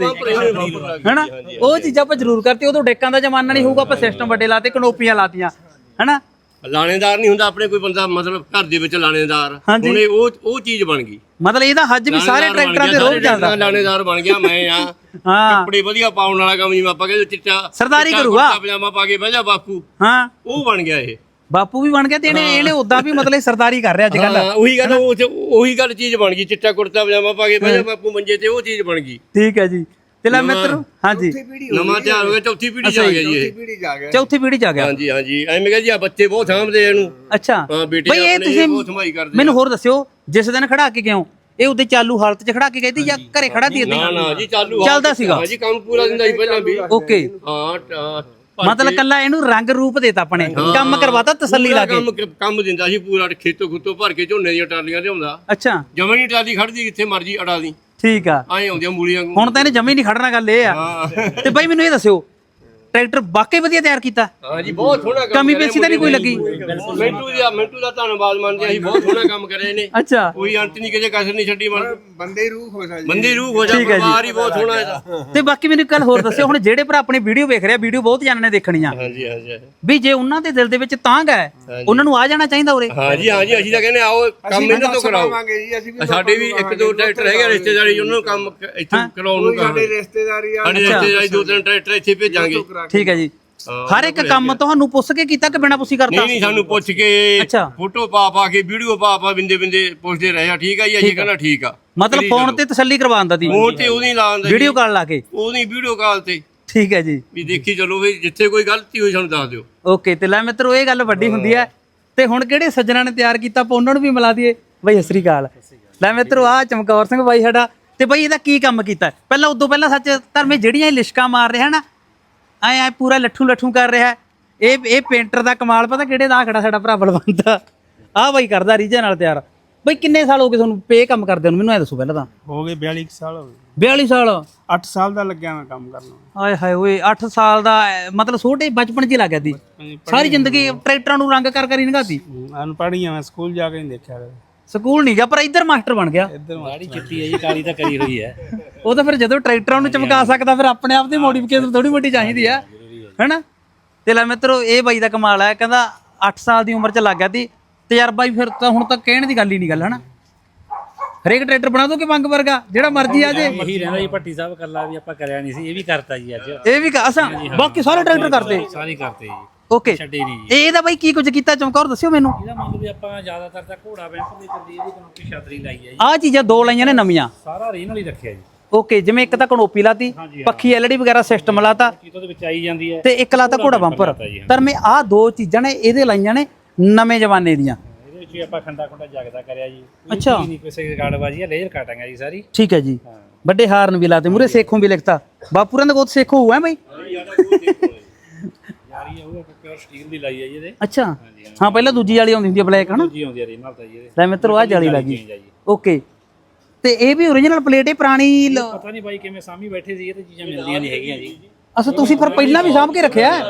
S1: ਹੈਨਾ। ਉਹ ਚੀਜ਼ਾਂ ਆਪਾਂ ਜ਼ਰੂਰ ਕਰਤੀ। ਉਦੋਂ ਡੇਕਾਂ ਦਾ ਜ਼ਮਾਨਾ ਨਹੀਂ ਹੋਊਗਾ, ਆਪਾਂ ਸਿਸਟਮ ਵੱਡੇ ਲਾਤੇ, ਕਨੋਪੀਆਂ ਲਾਤੀਆਂ ਹੈਨਾ।
S5: ਲਾਣੇਦਾਰ ਨਹੀਂ ਹੁੰਦਾ ਆਪਣੇ ਕੋਈ ਬੰਦਾ, ਮਤਲਬ ਘਰ ਦੇ ਵਿੱਚ ਲਾਣੇਦਾਰ।
S1: ਹਾਂਜੀ।
S5: ਹੁਣ ਇਹ ਉਹ ਉਹ ਚੀਜ਼ ਬਣ ਗਈ।
S1: ਮਤਲਬ ਇਹਦਾ ਹੱਜ ਵੀ ਸਾਰੇ ਟਰੈਕਟਰਾਂ ਤੇ ਰੋਜ਼ ਚੱਲਦਾ।
S5: ਲਾਣੇਦਾਰ ਬਣ ਗਿਆ ਮੈਂ ਆ।
S1: ਹਾਂ
S5: ਕੱਪੜੇ ਵਧੀਆ ਪਾਉਣ ਵਾਲਾ ਕੰਮ, ਜਿਵੇਂ ਆਪਾਂ ਕਹਿੰਦੇ ਚਿੱਟਾ
S1: ਸਰਦਾਰੀ
S5: ਚਿੱਟਾ
S1: ਕਰੂਗਾ।
S5: ਕੁੜਤਾ ਪਜਾਮਾ ਪਾ ਕੇ ਬਹਿ ਜਾ ਬਾਪੂ,
S1: ਹਾਂ
S5: ਉਹ ਬਣ ਗਿਆ ਇਹ।
S1: ਬਾਪੂ ਵੀ ਬਣ ਗਿਆ ਤੇ ਇਹਨੇ ਇਹਨੇ ਉਦਾਂ ਵੀ ਮਤਲਬ ਸਰਦਾਰੀ ਕਰ ਰਿਹਾ ਅੱਜ ਕੱਲ।
S5: ਹਾਂ ਉਹੀ ਗੱਲ, ਉਹ ਉਹੀ ਗੱਲ ਚੀਜ਼ ਬਣ ਗਈ। ਚਿੱਟਾ ਕੁੜਤਾ ਪਜਾਮਾ ਪਾ ਕੇ ਬਹਿ ਜਾ ਬਾਪੂ ਮੰਜੇ ਤੇ, ਉਹ ਚੀਜ਼ ਬਣ ਗਈ।
S1: ਠੀਕ ਹੈ ਜੀ। ਤੇ ਲੈ ਮਿੱਤਰੋ ਹਾਂਜੀ
S5: ਨਵਾਂ ਤਿਆਰ ਹੋ ਗਿਆ, ਚੌਥੀ ਪੀੜ੍ਹੀ ਚ ਆ ਗਿਆ ਜੀ ਇਹ।
S2: ਪੀੜੀ ਜਾ ਗਿਆ।
S1: ਚੌਥੀ ਪੀੜ੍ਹੀ ਚ ਆ ਗਿਆ।
S5: ਹਾਂਜੀ ਹਾਂਜੀ ਐਵੇਂ ਕਹਿੰਦੇ ਆ ਬੱਚੇ ਬਹੁਤ ਸਾਂਭਦੇ ਆ ਇਹਨੂੰ।
S1: ਅੱਛਾ
S5: ਹਾਂ ਬੇਟੇ
S1: ਬਈ ਇਹ
S5: ਆਪਣੇ
S1: ਤੁਸੀਂ
S5: ਬਹੁਤ ਸੰਭਾਈ ਕਰਦੇ।
S1: ਮੈਨੂੰ ਹੋਰ ਦੱਸਿਓ, ਜਿਸ ਦਿਨ ਖੜਾ ਕੇ ਗਏ ਹੋ ਇਹ ਉਹਦੇ ਚਾਲੂ ਹਾਲਤ 'ਚ ਖੜਾ ਕੇ ਗਈ ਸੀ ਜਾਂ ਘਰੇ ਖੜਾ ਸੀ?
S5: ਨਾ ਨਾ ਜੀ ਚਾਲੂ
S1: ਚੱਲਦਾ ਸੀਗਾ।
S5: ਹਾਂ ਜੀ ਕੰਮ ਪੂਰਾ ਦਿੰਦਾ ਸੀ ਪਹਿਲਾਂ ਵੀ।
S1: ਓਕੇ
S5: ਹਾਂ ਤਾਂ
S1: ਮਤਲਬ ਕੱਲਾ ਇਹਨੂੰ ਰੰਗ ਰੂਪ ਦੇਤਾ ਆਪਣੇ, ਕੰਮ ਕਰਵਾਤਾ ਤਸੱਲੀ ਲਾ ਕੇ।
S5: ਕੰਮ ਕੰਮ ਦਿੰਦਾ ਸੀ ਪੂਰਾ, ਖੇਤੋਂ ਖੁੱਤੋਂ ਭਰ ਕੇ ਝੋਨੇ ਦੀਆਂ ਟਰਾਲੀਆਂ ਲਿਆਉਂਦਾ।
S1: ਅੱਛਾ
S5: ਜਮਾਂ ਨਹੀਂ ਟਰਾਲੀ ਖੜਦੀ, ਜਿੱਥੇ ਮਰਜੀ ਅੜਾ ਦੀ,
S1: ਠੀਕ ਆ।
S5: ਐਂ ਆਉਂਦੀਆਂ ਮੂਲੀਆਂ।
S1: ਹੁਣ ਤਾਂ ਇਹਨੇ ਜਮੀ ਨਹੀਂ ਖੜਨਾ, ਗੱਲ ਇਹ ਆ। ਤੇ ਬਾਈ ਮੈਨੂੰ ਇਹ ਦੱਸਿਓ ਟਰੈਕਟਰ ਵਾਕਈ ਵਧੀਆ ਤਿਆਰ ਕੀਤਾ?
S5: ਹਾਂ ਜੀ ਬਹੁਤ ਸੋਹਣਾ ਕੰਮ
S1: ਕਮੀ ਪੇਸ਼ੀ ਤਾਂ ਨਹੀਂ ਕੋਈ ਲੱਗੀ?
S5: ਮਿੰਟੂ ਦਾ ਮਿੰਟੂ ਦਾ ਧੰਨਵਾਦ ਮੰਨਦੇ ਆ ਅਸੀਂ, ਬਹੁਤ ਸੋਹਣਾ ਕੰਮ ਕਰਿਆ ਇਹਨੇ।
S1: ਅੱਛਾ
S5: ਕੋਈ ਅੰਤ ਨਹੀਂ, ਕਿਸੇ ਕਸਰ ਨਹੀਂ ਛੱਡੀ। ਮਨ
S2: ਬੰਦੇ ਹੀ ਰੂਹ ਹੋ ਸਕਦੀ।
S5: ਬੰਦੇ ਰੂਹ ਹੋ ਜਾ,
S1: ਠੀਕ ਹੈ ਜੀ।
S5: ਪਰਿਵਾਰ ਹੀ ਬਹੁਤ ਸੋਹਣਾ ਇਹਦਾ।
S1: ਤੇ ਬਾਕੀ ਮੈਨੂੰ ਇੱਕ ਗੱਲ ਹੋਰ ਦੱਸਿਓ, ਹੁਣ ਜਿਹੜੇ ਭਰਾ ਆਪਣੀ ਵੀਡੀਓ ਵੇਖ ਰਿਹਾ, ਵੀਡੀਓ ਬਹੁਤ ਜਾਣਨੇ ਦੇਖਣੀ ਆ,
S5: ਹਾਂਜੀ ਹਾਂਜੀ
S1: ਵੀ ਜੇ ਉਹਨਾਂ ਦੇ ਦਿਲ ਦੇ ਵਿੱਚ ਤਾਂਘ ਹੈ ਉਹਨਾਂ ਨੂੰ ਆ ਜਾਣਾ ਚਾਹੀਦਾ ਉਰੇ।
S5: ਹਾਂਜੀ ਹਾਂਜੀ ਅਸੀਂ ਤਾਂ ਕਹਿੰਦੇ ਆਓ ਕੰਮ ਇਹਨਾਂ ਤੋਂ ਕਰਾਓ।
S2: ਜੀ ਅਸੀਂ ਵੀ
S5: ਸਾਡੇ ਵੀ ਇੱਕ ਦੋ ਟਰੈਕਟਰ ਹੈਗੇ ਰਿਸ਼ਤੇਦਾਰੀ, ਉਹਨਾਂ ਨੂੰ ਕੰਮ ਇੱਥੇ ਕਰਾਉਣ ਨੂੰ ਕਹਾਂਗੇ।
S2: ਸਾਡੇ ਰਿਸ਼ਤੇਦਾਰੀ ਆ।
S5: ਸਾਡੇ ਰਿਸ਼ਤੇਦਾਰੀ ਦੋ ਤਿੰਨ ਟਰੈਕਟਰ ਇੱਥੇ ਭੇਜਾਂਗੇ।
S1: ਠੀਕ ਹੈ ਜੀ। ਹਰ ਇੱਕ ਕੰਮ ਤੁਹਾਨੂੰ ਪੁੱਛ ਕੇ ਕੀਤਾ ਕਿ ਬਿਨਾਂ ਪੁੱਛੀ ਕਰਤਾ?
S5: ਨਹੀਂ ਨਹੀਂ ਸਾਨੂੰ ਪੁੱਛ ਕੇ
S1: ਅੱਛਾ।
S5: ਫੋਟੋ ਪਾ ਪਾ ਕੇ ਵੀਡੀਓ ਪਾ ਪਾ ਬਿੰਦੇ ਬਿੰਦੇ ਪੁੱਛਦੇ ਰਹੇ ਆ। ਠੀਕ ਆ ਜੀ, ਅਸੀਂ ਕਹਿੰਦਾ ਠੀਕ ਆ।
S1: ਮਤਲਬ ਫੋਨ ਤੇ ਤਸੱਲੀ ਕਰਵਾਉਂਦਾ ਸੀ,
S5: ਫੋਨ ਤੇ ਉਹਦੀ ਲਾਉਂਦਾ,
S1: ਵੀਡੀਓ ਕਾਲ ਲਾ ਕੇ?
S5: ਉਹਦੀ ਵੀਡੀਓ ਕਾਲ ਤੇ।
S1: ਠੀਕ ਹੈ ਜੀ।
S5: ਵੀ ਦੇਖੀ ਚਲੋ ਵੀ ਜਿੱਥੇ ਕੋਈ ਗਲਤੀ ਹੋਈ ਸਾਨੂੰ ਦੱਸ ਦਿਓ।
S1: ਓਕੇ ਤੇ ਲੈ ਮਿੱਤਰੋ ਇਹ ਗੱਲ ਵੱਡੀ ਹੁੰਦੀ ਹੈ। ਤੇ ਹੁਣ ਕਿਹੜੇ ਸੱਜਣਾ ਨੇ ਤਿਆਰ ਕੀਤਾ ਆਪਾਂ ਉਹਨਾਂ ਨੂੰ ਵੀ ਮਿਲਾ ਦਈਏ। ਬਾਈ ਸਤਿ ਸ੍ਰੀ ਅਕਾਲ। ਲੈ ਮਿੱਤਰੋ ਆ ਚਮਕੌਰ ਸਿੰਘ ਬਾਈ ਸਾਡਾ। ਤੇ ਬਾਈ ਇਹਦਾ ਕੀ ਕੰਮ ਕੀਤਾ ਪਹਿਲਾਂ? ਉਦੋਂ ਪਹਿਲਾਂ ਸੱਚ ਧਰਮੇ ਜਿਹੜੀਆਂ ਇਹ ਲਿਸ਼ਕਾਂ ਮਾਰ ਰਿਹਾ ਨਾ, ਐ ਐ ਪੂਰਾ ਲੱਠੂ ਲੱਠੂ ਕਰ ਰਿਹਾ, ਇਹ ਇਹ ਪੇਂਟਰ ਦਾ ਕਮਾਲ ਪਤਾ ਕਿਹੜੇ ਦਾ ਖੜਾ ਸਾਡਾ ਭਰਾ ਬਲਵੰਤ ਆ ਬਾਈ ਕਰਦਾ ਰੀਝਾਂ ਨਾਲ ਤਿਆਰ। ਬਾਈ ਕਿੰਨੇ ਸਾਲ ਹੋ ਗਏ ਤੁਹਾਨੂੰ ਪੇ ਕੰਮ ਕਰਦੇ ਨੂੰ? ਮੈਨੂੰ ਐ ਦੱਸੋ ਪਹਿਲਾਂ ਤਾਂ।
S3: ਹੋ ਗਏ ਬਿਆਲੀ ਕੁ ਸਾਲ ਹੋ ਗਏ।
S1: ਬਿਆਲੀ ਸਾਲ?
S3: ਅੱਠ ਸਾਲ ਦਾ ਲੱਗਿਆ ਮੈਂ ਕੰਮ ਕਰਨ।
S1: ਆਏ ਹਾਏ ਓਏ ਅੱਠ ਸਾਲ ਦਾ ਐ, ਮਤਲਬ ਛੋਟੇ ਬਚਪਨ 'ਚ ਹੀ ਲੱਗ ਗਿਆ ਸੀ। ਸਾਰੀ ਜ਼ਿੰਦਗੀ ਟਰੈਕਟਰਾਂ ਨੂੰ ਰੰਗ ਕਰ ਕਰ ਹੀ ਲੰਘਾਤੀ।
S3: ਅਨਪੜ੍ਹ ਆ ਮੈਂ, ਸਕੂਲ ਜਾ ਕੇ ਨਹੀਂ ਦੇਖਿਆ ਕਦੇ।
S1: ਸਕੂਲ ਨਹੀਂ ਗਿਆ ਪਰ ਇੱਧਰ ਮਾਸਟਰ ਬਣ ਗਿਆ।
S3: ਇੱਧਰ
S4: ਮਾੜੀ ਚਿੱਟੀ ਹੈ ਜੀ, ਕਾਲੀ ਤਾਂ ਕਰੀ ਹੋਈ ਹੈ।
S1: ਉਹ ਤਾਂ ਫਿਰ ਜਦੋਂ ਟਰੈਕਟਰਾਂ ਨੂੰ ਚਮਕਾ ਸਕਦਾ ਫਿਰ ਆਪਣੇ ਆਪ ਦੀ ਮੋਡੀਫਿਕੇਸ਼ਨ ਥੋੜੀ ਮੋਟੀ ਚਾਹੀਦੀ ਆ, ਹੈਨਾ। ਤੇ ਲੈ ਮਿੱਤਰੋ ਇਹ ਬਾਈ ਦਾ ਕਮਾਲ ਹੈ, ਕਹਿੰਦਾ ਅੱਠ ਸਾਲ ਦੀ ਉਮਰ 'ਚ ਲੱਗ ਗਿਆ ਤੀ ਤਜਰਬਾ ਹੀ, ਫਿਰ ਤਾਂ ਹੁਣ ਤਾਂ ਕਹਿਣ ਦੀ ਗੱਲ ਹੀ ਨਹੀਂ ਗੱਲ ਹਨਾ। ਹਰੇਕ ਟਰੈਕਟਰ ਬਣਾ ਦੋ ਕਿ ਮੰਗ ਵਰਗਾ ਜਿਹੜਾ ਮਰਜ਼ੀ ਆ ਜੇ।
S4: ਇਹੀ ਰਹਿੰਦਾ ਜੀ ਭੱਟੀ ਸਾਹਿਬ ਕੱਲਾ ਵੀ ਆਪਾਂ ਕਰਿਆ ਨਹੀਂ ਸੀ, ਇਹ ਵੀ ਕਰਤਾ ਜੀ ਅੱਜ।
S1: ਇਹ ਵੀ ਕ- ਅਸਾਂ ਬਾਕੀ ਸਾਰੇ ਟਰੈਕਟਰ ਕਰਦੇ
S4: ਸਾਰੇ ਕਰਤੇ ਜੀ,
S1: ਓਕੇ।
S4: ਛੱਡੇ ਨਹੀਂ ਜੀ।
S1: ਇਹਦਾ ਬਾਈ ਕੀ ਕੁਝ ਕੀਤਾ ਚਮਕੌਰ ਦੱਸਿਓ ਮੈਨੂੰ।
S4: ਇਹਦਾ ਮੰਨ ਲਓ ਵੀ ਆਪਾਂ ਜ਼ਿਆਦਾਤਰ ਤਾਂ ਘੋੜਾ ਬੈਂਕ ਦੀ ਚੱਲੀ, ਇਹਦੀ ਕਨੋਪੀ ਛਤਰੀ ਲਾਈ ਹੈ ਜੀ,
S1: ਆਹ ਚੀਜ਼ਾਂ ਦੋ ਲਾਈਆਂ ਨੇ ਨਵੀਆਂ,
S4: ਸਾਰਾ ਰੀਨ ਵਾਲੀ ਰੱਖਿਆ ਜੀ।
S1: ਓਕੇ। ਜਿਵੇਂ ਇੱਕ ਤਾਂ ਕਨੋਪੀ ਲਾਤੀ, ਪੱਖੀ ਐਲਈਡੀ ਵਗੈਰਾ ਸਿਸਟਮ ਲਾਤਾ,
S4: ਚੀਤੋਂ ਦੇ ਵਿੱਚ ਆਈ ਜਾਂਦੀ ਹੈ,
S1: ਤੇ ਇੱਕ ਲਾਤਾ ਘੋੜਾ ਬੰਪਰ। ਪਰ ਮੈਂ ਆਹ ਦੋ ਚੀਜ਼ਾਂ ਨੇ ਇਹਦੇ ਲਾਈਆਂ ਨੇ ਨਵੇਂ ਜ਼ਮਾਨੇ ਦੀਆਂ।
S4: ਇਹਦੇ ਵਿੱਚ ਵੀ ਆਪਾਂ ਖੰਡਾ ਖੁੰਡਾ ਜਗਦਾ ਕਰਿਆ ਜੀ।
S1: ਅੱਛਾ।
S4: ਨਹੀਂ ਕਿਸੇ ਗਾੜਬਾਜੀ ਹੈ, ਲੇਜ਼ਰ ਕਾਟਾਂਗੇ ਜੀ ਸਾਰੀ।
S1: ਠੀਕ ਹੈ ਜੀ। ਵੱਡੇ ਹਾਰਨ ਵੀ ਲਾਤੇ, ਮੂਰੇ ਸੇਖੋਂ ਵੀ ਲਿਖਤਾ। ਬਾਪੂਰਾਂ ਦਾ ਗੋਤ ਸੇਖੋ ਹੋਇਆ ਬਈ।
S4: ਯਾਰੀ ਉਹ ਪਿਓਰ ਸਟੀਲ ਦੀ ਲਾਈ ਹੈ ਜੀ ਇਹਦੇ।
S1: ਅੱਛਾ ਹਾਂ, ਪਹਿਲਾਂ ਦੂਜੀ ਵਾਲੀ ਆਉਂਦੀ ਹੁੰਦੀ ਹੈ ਬਲੈਕ ਹਨਾ।
S4: ਜੀ ਆਉਂਦੀ ਹੈ ਰੀਨ ਨਾਲ ਤਾਂ ਜੀ ਇਹਦੇ।
S1: ਲੈ ਮਿੱਤਰੋ ਆਹ ਜਾਲੀ ਲੱਗੀ, ਓਕੇ। ਤੇ ਇਹ ਵੀ ਓਰੀਜਨਲ ਪਲੇਟ ਹੈ ਪੁਰਾਣੀ ਲ-
S4: ਪਤਾ ਨਹੀਂ ਬਾਈ ਕਿਵੇਂ ਸਾਮੀ ਬੈਠੇ ਸੀ, ਇਹ ਤੇ ਚੀਜ਼ਾਂ ਮਿਲਦੀਆਂ ਨਹੀਂ ਹੈਗੀਆਂ ਜੀ।
S1: ਅੱਛਾ ਤੁਸੀਂ ਫਿਰ ਪਹਿਲਾਂ ਵੀ ਸਾਂਭ ਕੇ ਰੱਖਿਆ ਹੈ?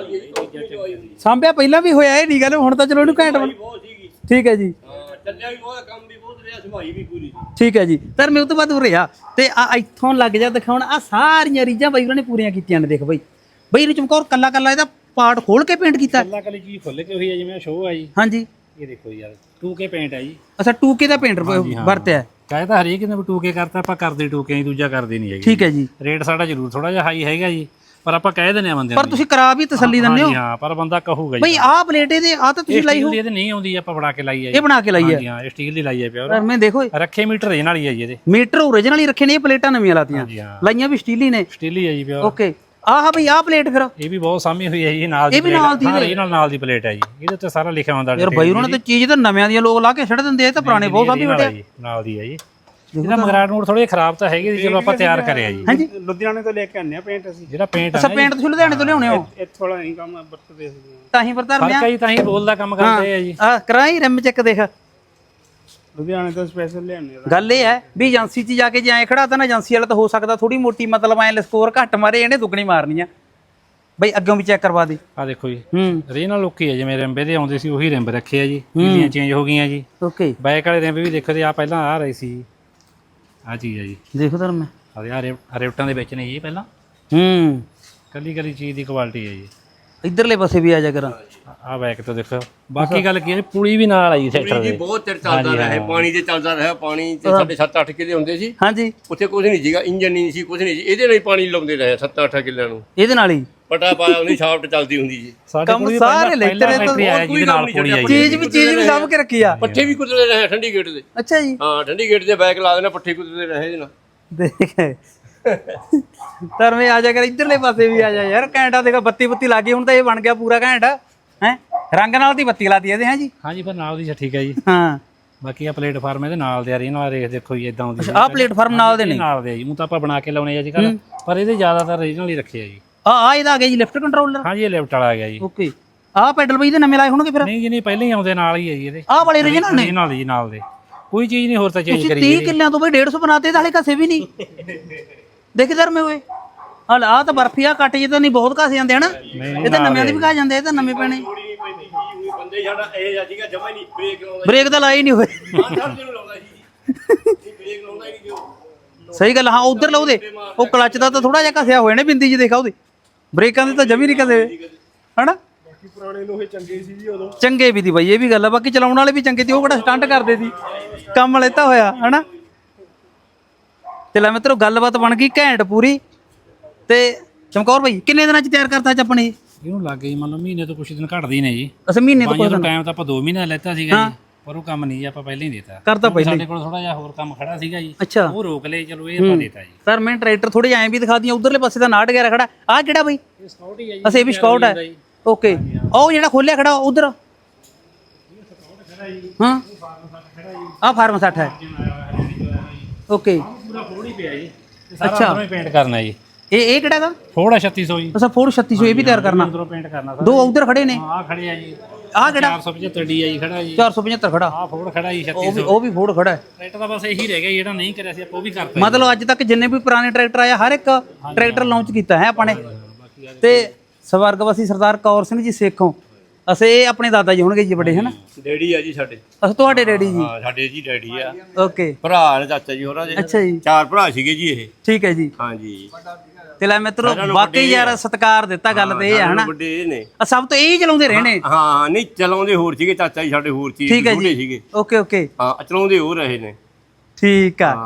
S1: ਸਾਂਭਿਆ ਪਹਿਲਾਂ ਵੀ ਹੋਇਆ, ਇਹ ਨਹੀਂ ਗੱਲ ਹੁਣ ਤਾਂ ਚਲੋ ਇਹਨੂੰ ਘੈਂਟ ਬਣ- ਠੀਕ ਹੈ ਜੀ,
S5: ਚੱਲਿਆ ਵੀ ਬਹੁਤ, ਕੰਮ ਵੀ ਬਹੁਤ ਰਿਹਾ, ਸੰਭਾਈ ਵੀ ਪੂਰੀ।
S1: ਠੀਕ ਹੈ ਜੀ। ਪਰ ਮੈਂ ਉਹ ਤੋਂ ਬਾਅਦ ਹੋ ਰਿਹਾ ਤੇ ਆ ਇੱਥੋਂ ਲੱਗ ਜਾ ਦਿਖਾਉਣ, ਆ ਸਾਰੀਆਂ ਰੀਝਾਂ ਬਾਈ ਉਹਨਾਂ ਨੇ ਪੂਰੀਆਂ ਕੀਤੀਆਂ ਨੇ। ਦੇਖ ਬਾਈ, ਬਾਈ ਇਹਨੂੰ ਚਮਕੌਰ ਕੱਲਾ ਕੱਲਾ ਇਹਦਾ ਪਾਰਟ ਖੋਲ ਕੇ ਪੇਂਟ ਕੀਤਾ।
S4: ਕੱਲਾ ਕੱਲੀ ਚੀਜ਼ ਖੁੱਲ ਕੇ ਹੋਈ ਹੈ, ਜਿਵੇਂ ਸ਼ੋਅ ਆ ਜੀ।
S1: ਹਾਂਜੀ
S4: ਇਹ ਦੇਖੋ ਯਾਰ, ਟੂ ਕੇ ਪੇਂਟ ਹੈ ਜੀ।
S1: ਅੱਛਾ ਟੂ ਕੇ ਦਾ ਪੇਂਟ ਵਰਤਿਆ।
S4: ਕਹੇ ਤਾਂ ਹਰੇਕ ਨੇ ਵੀ ਟੂ ਕੇ ਕਰਤਾ, ਆਪਾਂ ਕਰਦੇ ਟੂ ਕੇ ਹੀ, ਦੂਜਾ ਕਰਦੇ ਨਹੀਂ ਹੈਗੇ।
S1: ਠੀਕ ਹੈ ਜੀ।
S4: ਰੇਟ ਸਾਡਾ ਜ਼ਰੂਰ ਥੋੜਾ ਜਿਹਾ ਹਾਈ ਹੈਗਾ ਜੀ, ਪਰ ਆਪਾਂ ਕਹਿ ਦਿੰਦੇ ਆ ਬੰਦਿਆਂ
S1: ਪਰ
S4: ਨੂੰ।
S1: ਤੁਸੀਂ ਕਰਾ ਵੀ ਤਸੱਲੀ ਦਿੰਦੇ ਹੋ।
S4: ਹਾਂ, ਪਰ ਬੰਦਾ ਕਹੂਗਾ ਜੀ
S1: ਬਈ ਆਹ ਪਲੇਟ ਇਹਦੇ ਆ ਤਾਂ ਤੁਸੀਂ ਲਾਈ ਹੋ,
S4: ਇਹਦੇ ਨਹੀਂ ਆਉਂਦੀ, ਆਪਾਂ ਬਣਾ ਕੇ ਲਾਈ ਹੈ
S1: ਇਹ ਬਣਾ ਕੇ ਲਾਈ ਹੈ।
S4: ਹਾਂ, ਇਹ ਸਟੀਲ ਦੀ ਲਾਈ ਹੈ ਪਿਓਰ।
S1: ਪਰ ਮੈਂ ਦੇਖੋ
S4: ਰੱਖੇ ਮੀਟਰ ਇਹ ਨਾਲ ਹੀ ਹੈ ਜੀ ਇਹਦੇ।
S1: ਮੀਟਰ ਓਰੀਜਨਲ ਹੀ ਰੱਖੇ ਨੇ, ਇਹ ਪਲੇਟਾਂ ਨਵੀਆਂ ਲਾਤੀਆਂ,
S4: ਜੀ ਹਾਂ,
S1: ਲਾਈਆਂ ਵੀ ਸਟੀਲ ਹੀ ਨੇ।
S4: ਸਟੀਲ ਹੀ ਹੈ ਜੀ ਪਿਓਰ।
S1: ਓਕੇ। ਆਹ ਬਈ ਆਹ ਪਲੇਟ ਫਿਰ
S4: ਇਹ ਵੀ ਬਹੁਤ ਸਾਮੀ ਹੋਈ ਹੈ ਜੀ, ਨਾਲ ਦੀ
S1: ਇਹ ਵੀ ਨਾਲ ਦੀ
S4: ਹਾਂ, ਇਹ ਨਾਲ ਨਾਲ ਦੀ ਪਲੇਟ ਹੈ ਜੀ। ਇਹਦੇ ਉੱਤੇ ਸਾਰਾ ਲਿਖਿਆ ਹੁੰਦਾ
S1: ਯਾਰ ਬਾਈ ਉਹਨਾਂ ਨੇ ਤਾਂ ਚੀਜ਼ ਤਾਂ ਨਵਿਆਂ ਦੀਆਂ ਲੋਕ ਲਾ ਕੇ ਛੱਡ ਦਿੰਦੇ ਆ, ਇਹ ਤਾਂ ਪੁਰਾਣੇ ਬਹੁਤ ਸਾਂਭੀ ਬੈਠੇ ਆ।
S4: ਨਾਲ ਦੀ ਹੈ ਜੀ। ਇਹਦਾ ਮਗਰਾਟ ਨੂਰ ਥੋੜੇ ਖਰਾਬ ਤਾਂ ਹੈਗੇ ਸੀ, ਚਲੋ ਆਪਾਂ ਤਿਆਰ ਕਰਿਆ ਜੀ।
S1: ਹਾਂਜੀ
S3: ਲੁਧਿਆਣੇ ਤੋਂ ਲੈ ਕੇ ਆਉਂਦੇ ਆ ਪੇਂਟ ਅਸੀਂ।
S4: ਜਿਹੜਾ ਪੇਂਟ
S1: ਅੱਛਾ ਪੇਂਟ ਤੁਸੀਂ ਲੁਧਿਆਣੇ ਤੋਂ ਲਿਆਉਣੇ ਹੋ,
S3: ਇਹ ਥੋੜਾ ਨਹੀਂ ਕੰਮ ਵਰਤਦੇ ਅਸੀਂ।
S1: ਤਾਂ ਹੀ ਵਰਤਾਰ
S4: ਫਰਕ
S1: ਮਿਆ।
S4: ਹੈ ਜੀ, ਤਾਂ ਹੀ ਬੋਲ ਦਾ ਕੰਮ ਕਰਦੇ ਆ ਜੀ।
S1: ਆ ਕਰਾਈ ਰਿਮ ਚੈੱਕ ਦੇਖ।
S3: ਲੁਧਿਆਣੇ ਤੋਂ ਸਪੈਸ਼ਲ ਲਿਆਉਂਦੇ ਆ।
S1: ਗੱਲ ਇਹ ਹੈ ਵੀ ਏਜੰਸੀ 'ਚ ਜਾ ਕੇ ਜੇ ਐਂ ਖੜਾ ਤਾਂ ਨਾ, ਏਜੰਸੀ ਵਾਲਾ ਤਾਂ ਹੋ ਸਕਦਾ ਥੋੜੀ ਮੋਟੀ ਮਤਲਬ ਐਂ ਸਕੋਰ ਘੱਟ ਮਾਰੇ, ਇਹਨੇ ਦੁੱਗਣੀ ਮਾਰਨੀ ਆ। ਬਈ ਅੱਗੋਂ ਵੀ ਚੈੱਕ ਕਰਵਾ ਦੇ।
S4: ਆ ਦੇਖੋ ਜੀ,
S1: ਹੂੰ
S4: ਰੀਨ ਨਾਲ ਲੁੱਕੀ ਹੈ, ਜਿਵੇਂ ਰਿੰਬੇ ਦੇ ਆਉਂਦੇ ਸੀ ਉਹੀ ਰਿੰਬ ਰੱਖੇ ਆ ਜੀ। ਪੀਲੀਆਂ ਚੇਂਜ ਹੋ ਗਈਆਂ ਜੀ।
S1: ਓਕੇ।
S4: ਬੈਕ ਵਾਲੇ ਰਿੰਬ ਵੀ ਦੇਖੋ ਤੇ ਆ ਪਹਿਲਾਂ ਆ ਰਹੀ ਸੀ, ਆ ਚੀਜ਼ ਹੈ ਜੀ।
S1: ਦੇਖੋ ਧਰਮ
S4: ਆ ਆ ਰਿਫਟਾਂ ਦੇ ਵਿੱਚ ਨੇ ਜੀ ਪਹਿਲਾਂ।
S1: ਹੂੰ
S4: ਕੱਲੀ ਕੱਲੀ ਚੀਜ਼ ਦੀ ਕੁਆਲਿਟੀ ਹੈ ਜੀ।
S1: ਇਧਰਲੇ ਪਾਸੇ ਵੀ ਆ ਜਾ ਕਰਾਂ।
S4: ਆ ਬੈਕ ਤੋਂ ਦੇਖੋ। ਬਾਕੀ ਗੱਲ ਕੀ ਹੈ, ਪੁਲੀ ਵੀ ਨਾਲ ਆਈ ਸੈਕਟਰ
S5: ਜੀ
S4: ਦੇ।
S5: ਬਹੁਤ ਚਿਰ ਚੱਲਦਾ ਰਿਹਾ, ਪਾਣੀ ਤੇ ਚੱਲਦਾ ਰਿਹਾ। ਪਾਣੀ ਤੇ ਸਾਡੇ ਸੱਤ ਅੱਠ ਕਿੱਲੇ ਹੁੰਦੇ ਸੀ,
S1: ਹਾਂਜੀ
S5: ਉੱਥੇ ਕੁਝ ਨਹੀਂ ਸੀਗਾ, ਇੰਜਨ ਨਹੀਂ ਸੀ, ਕੁਝ ਨਹੀਂ ਸੀ। ਇਹਦੇ ਨਾਲ ਹੀ ਪਾਣੀ ਲਾਉਂਦੇ ਰਹੇ ਸੱਤ ਅੱਠ ਕਿੱਲਿਆਂ ਨੂੰ।
S1: ਇਹਦੇ ਨਾਲ ਹੀ
S5: ਪਟਾ ਪਾਇਆ, ਉਹਦੀ ਸ਼ਾਫਟ ਚੱਲਦੀ ਹੁੰਦੀ ਸੀ।
S4: ਸਾਡੇ
S1: ਕੰਮ
S4: ਪੁਲੀ
S1: ਸਾਰੇ
S4: ਪਹਿਲਾਂ-
S1: ਲੈਤੇ
S4: ਪਹਿਲਾਂ
S1: ਨੇ
S4: ਫੈਕਟਰੀ ਆਇਆ ਜਿਹਦੇ ਨਾਲ ਪੁਲੀ ਆਈ।
S1: ਚੀਜ਼ ਵੀ ਚੀਜ਼ ਵੀ ਸਾਂਭ ਕੇ ਰੱਖੀ ਆ।
S5: ਪੱਠੇ ਵੀ ਕੁੱਟਦੇ ਰਹੇ ਠੰਡੀ ਗੇਟ ਦੇ।
S1: ਅੱਛਾ ਜੀ।
S5: ਹਾਂ, ਠੰਡੀ ਗੇਟ ਦੇ ਬੈਕ ਲਾ ਦੇਣਾ, ਪੱਠੇ ਕੁੱਟਦੇ ਰਹੇ ਇਹਦੇ ਨਾਲ।
S1: ਦੇਖ ਧਰਮੇ ਆ ਜਾ ਕਰ, ਇਧਰਲੇ ਪਾਸੇ ਵੀ ਆ ਜਾ ਯਾਰ। ਘੈਂਟਾ ਦੇਖੋ, ਬੱਤੀ ਬੱਤੀ ਲੱਗੀ, ਹੁਣ ਤਾਂ ਇਹ ਬਣ ਗਿਆ ਪੂਰਾ ਘੈਂਟਾ ਹੈ। ਰੰਗ ਨਾਲ ਦੀ ਬੱਤੀ ਲਾਤੀ ਇਹਦੇ। ਹੈ ਜੀ
S4: ਹਾਂਜੀ, ਪਰ ਨਾਲ ਦੀ ਠੀਕ ਹੈ ਜੀ।
S1: ਹਾਂ।
S4: ਬਾਕੀ ਆ ਪਲੇਟਫਾਰਮ ਇਹਦੇ ਨਾਲ ਦੇ ਆ ਰਹੀ ਨਾਲ ਰੇਖ ਦੇਖੋ ਜੀ, ਇਦਾਂ ਆਉਂਦੀ
S1: ਆਹ ਪਲੇਟਫਾਰਮ ਨਾਲ ਦੇ ਨੇ।
S4: ਨਾਲ ਦੇ ਜੀ, ਉਹ ਤਾਂ ਆਪਾਂ ਬਣਾ ਕੇ ਲਾਉਣੇ ਆ ਜੀ ਕੱਲ, ਪਰ ਇਹਦੇ ਜ਼ਿਆਦਾਤਰ ਰੀਜਨਲ ਹੀ ਰੱਖੇ ਆ ਜੀ।
S1: ਆ ਆ ਇਹਦਾ ਆ ਗਿਆ ਜੀ ਲਿਫਟ ਕੰਟਰੋਲਰ।
S4: ਹਾਂਜੀ, ਇਹ ਲਿਫਟ ਵਾਲਾ ਆ ਗਿਆ ਜੀ।
S1: ਓਕੇ। ਆਹ ਪੈਡਲ ਬਈ ਇਹਦੇ ਨਵੇਂ ਲਾਏ ਹੋਣਗੇ ਫਿਰ।
S4: ਨਹੀਂ ਜੀ, ਨਹੀਂ ਪਹਿਲਾਂ ਹੀ ਆਉਂਦੇ ਨਾਲ ਹੀ ਹੈ ਜੀ ਇਹਦੇ।
S1: ਆਹ ਵਾਲੇ ਰੀਜਨਲ ਨੇ।
S4: ਨਾਲ ਜੀ, ਨਾਲ ਦੇ ਕੋਈ ਚੀਜ਼ ਨਹੀਂ ਹੋਰ ਤਾਂ ਚੇਂਜ
S1: ਤੁਸੀਂ
S4: ਕਰੀ
S1: ਤੀਹ ਕਿੱਲਿਆਂ ਤੋਂ ਬਈ ਡੇਢ ਸੌ ਬਣਾਤੇ, ਤਾਂ ਹਲੇ ਘਸੇ ਵੀ ਨਹੀਂ। ਦੇਖ ਧਰਮੇ ਹੋਏ ਹਲ ਆ ਤਾਂ ਬਰਫੀ ਆ ਕੱਟ ਜੇ ਤਾਂ ਨਹੀਂ ਬਹੁਤ ਘਸ ਜਾਂਦੇ ਹਨਾ। ਇਹ ਤਾਂ ਨਵਿਆਂ ਦੇ ਵੀ ਘਸ ਜਾਂਦੇ, ਇਹ ਤਾਂ ਨਵੇਂ ਪੈਣੇ।
S5: ਬੰਦੇ ਸਾਡਾ ਇਹ ਸੀਗਾ ਜਮਾ ਹੀ ਨਹੀਂ ਬ੍ਰੇਕ ਲਾਉਂਦਾ।
S1: ਬ੍ਰੇਕ ਤਾਂ ਲਾਏ ਨਹੀਂ ਹੋਏ।
S5: ਆਹ ਸਭ ਨੂੰ ਲਾਉਂਦਾ ਸੀ ਜੀ, ਬ੍ਰੇਕ ਲਾਉਂਦਾ ਹੀ ਨਹੀਂ ਜੋ।
S1: ਸਹੀ ਗੱਲ। ਹਾਂ ਉਧਰ ਲਾ ਉਹਦੇ, ਉਹ ਕਲੱਚ ਦਾ ਤਾਂ ਥੋੜਾ ਜਿਹਾ ਘਸਿਆ ਹੋਇਆ ਨੇ, ਬਿੰਦੀ ਜੀ ਦੇਖਾ ਉਹਦੇ। ਬ੍ਰੇਕਾਂ ਦੇ ਤਾਂ ਜਮੀ ਨਹੀਂ ਕਦੇ ਹਨਾ।
S3: ਬਾਕੀ ਪੁਰਾਣੇ ਲੋਹੇ ਚੰਗੇ ਸੀ ਜੀ ਉਦੋਂ।
S1: ਚੰਗੇ ਵੀ ਦੀ ਬਾਈ, ਇਹ ਵੀ ਗੱਲ ਆ। ਬਾਕੀ ਚਲਾਉਣ ਵਾਲੇ ਵੀ ਚੰਗੇ ਸੀ, ਉਹ ਕਿਹੜਾ ਸਟੰਟ ਕਰਦੇ ਸੀ, ਕੰਮ ਲੈਤਾ ਹੋਇਆ ਹਨਾ। ਤੇ ਲੈ ਮਿੱਤਰੋ ਗੱਲਬਾਤ ਬਣ ਗਈ ਘੈਂਟ ਪੂਰੀ। ਤੇ ਚਮਕੌਰ ਬਾਈ ਕਿੰਨੇ ਦਿਨਾਂ ਚ ਤਿਆਰ ਕਰਤਾ ਅੱਜ ਆਪਣੇ?
S4: ਇਹਨੂੰ ਲੱਗ ਗਈ ਮੰਨ ਲਓ ਮਹੀਨੇ ਤੋਂ ਕੁਛ ਦਿਨ ਘਟਦੇ ਹੀ ਨੇ ਜੀ।
S1: ਅਸੀਂ ਮਹੀਨੇ ਤੋਂ
S4: ਬਾਈਆਂ ਤੋਂ ਟਾਈਮ ਤਾਂ ਆਪਾਂ ਦੋ ਮਹੀਨੇ ਲੈਤਾ ਸੀਗਾ ਜੀ, ਪਰ ਉਹ ਕੰਮ ਨਹੀਂ ਜੀ, ਆਪਾਂ ਪਹਿਲਾਂ ਹੀ ਦੇਤਾ
S1: ਕਰਤਾ ਪਹਿਲਾਂ
S4: ਸਾਡੇ ਕੋਲ ਥੋੜਾ ਜਿਹਾ ਹੋਰ ਕੰਮ ਖੜਾ ਸੀਗਾ ਜੀ।
S1: ਅੱਛਾ।
S4: ਉਹ ਰੋਕ ਲਏ, ਚਲੋ ਇਹ ਆਪਾਂ ਦੇਤਾ ਜੀ।
S1: ਸਰ ਮੈਂ ਟਰੈਕਟਰ ਥੋੜੇ ਐਂ ਵੀ ਦਿਖਾ ਦੀਆਂ, ਉਧਰਲੇ ਪਾਸੇ ਦਾ ਨਾਟ ਗਿਆ ਖੜਾ। ਆਹ ਕਿਹੜਾ ਬਾਈ?
S4: ਇਹ ਸਕਾਊਟ ਹੀ ਹੈ ਜੀ।
S1: ਅਸੀਂ ਇਹ ਵੀ ਸਕਾਊਟ ਹੈ। ਓਕੇ। ਉਹ ਜਿਹੜਾ ਖੋਲਿਆ ਖੜਾ ਉਧਰ, ਹਾਂ ਆਹ ਫਾਰਮ ਸੱਠ ਹੈ। ਓਕੇ।
S4: ਪੂਰਾ ਫੋੜ ਹੀ ਪਿਆ ਜੀ, ਸਾਰਾ ਅੰਦਰੋਂ ਹੀ ਪੇਂਟ ਕਰਨਾ ਜੀ।
S1: ਇਹ ਇਹ ਕਿਹੜਾ ਦਾ?
S4: ਫੋੜ ਛੱਤੀ ਸੌ ਜੀ।
S1: ਅੱਛਾ ਫੋਰ ਛੱਤੀ ਸੌ ਇਹ ਵੀ ਤਿਆਰ ਕਰਨਾ।
S4: ਅੰਦਰੋਂ ਪੇਂਟ ਕਰਨਾ ਸਾਰਾ।
S1: ਦੋ ਉਧਰ ਖੜੇ ਨੇ।
S4: ਆਹ ਖੜੇ ਆ ਜੀ।
S1: ਆਹ ਕਿਹੜਾ?
S4: ਚਾਰ ਸੌ ਪਝੱਤਰ ਡੀ ਆ ਜੀ ਖੜਾ ਜੀ।
S1: ਚਾਰ ਸੌ ਪਝੱਤਰ ਖੜਾ।
S4: ਆਹ ਫੋੜ ਖੜਾ ਜੀ
S1: ਉਹ
S4: ਛੱਤੀ
S1: ਵੀ
S4: ਸੌ।
S1: ਉਹ ਵੀ ਫੋੜ ਖੜਾ ਹੈ।
S4: ਟਰੈਕਟਰ ਦਾ ਬਸ ਇਹੀ ਰਹਿ ਗਿਆ ਜਿਹੜਾ ਨਹੀਂ ਕਰਿਆ ਸੀ ਆਪਾਂ ਉਹ ਵੀ ਕਰਤਾ।
S1: ਮਤਲਬ ਅੱਜ ਤੱਕ ਜਿੰਨੇ ਵੀ ਪੁਰਾਣੇ ਟਰੈਕਟਰ ਆਇਆ ਹਰ ਇੱਕ ਟਰੈਕਟਰ ਲਾਂਚ ਕੀਤਾ ਹੈ ਆਪਾਂ ਨੇ। ਤੇ ਸਵਰਗਵਾਸੀ ਸਰਦਾਰ ਕੌਰ ਸਿੰਘ ਜੀ ਸੇਖੋਂ, ਅਸੀਂ ਇਹ ਆਪਣੇ ਦਾਦਾ ਜੀ ਹੋਣਗੇ ਜੀ ਵੱਡੇ ਹਨਾ।
S5: ਡੈਡੀ ਆ ਜੀ ਸਾਡੇ।
S1: ਅਸੀਂ ਤੁਹਾਡੇ ਡੈਡੀ ਜੀ।
S5: ਹਾਂ, ਸਾਡੇ ਜੀ ਡੈਡੀ ਆ।
S1: ਓਕੇ।
S5: ਭਰਾ ਨੇ ਚਾਚਾ ਜੀ ਹੋਰਾਂ ਦੇ।
S1: ਅੱਛਾ ਜੀ।
S5: ਚਾਰ ਭਰਾ ਸੀਗੇ ਜੀ ਇਹ।
S1: ਠੀਕ ਹੈ ਜੀ।
S5: ਹਾਂਜੀ।
S1: ਤੇ ਲੈ ਮਿੱਤਰੋ ਵਾਕਈ ਯਾਰ ਸਤਿਕਾਰ ਦਿੱਤਾ ਗੱਲ ਤੇ ਇਹ ਹੈ ਹਨਾ
S5: ਵੱਡੇ ਇਹ ਨੇ
S1: ਆ ਸਭ ਤੋਂ ਇਹ ਹੀ ਚਲਾਉਂਦੇ ਰਹੇ ਨੇ
S5: ਹਾਂ ਨਹੀਂ ਚਲਾਉਂਦੇ ਹੋਰ ਸੀਗੇ ਚਾਚਾ ਜੀ ਸਾਡੇ ਹੋਰ ਸੀ
S1: ਠੀਕ ਹੈ
S5: ਬੁੱਢੇ
S1: ਜੀ
S5: ਸੀਗੇ
S1: ਓਕੇ ਓਕੇ
S5: ਹਾਂ ਚਲਾਉਂਦੇ ਹੋਰ ਰਹੇ ਨੇ
S1: ਠੀਕ ਆ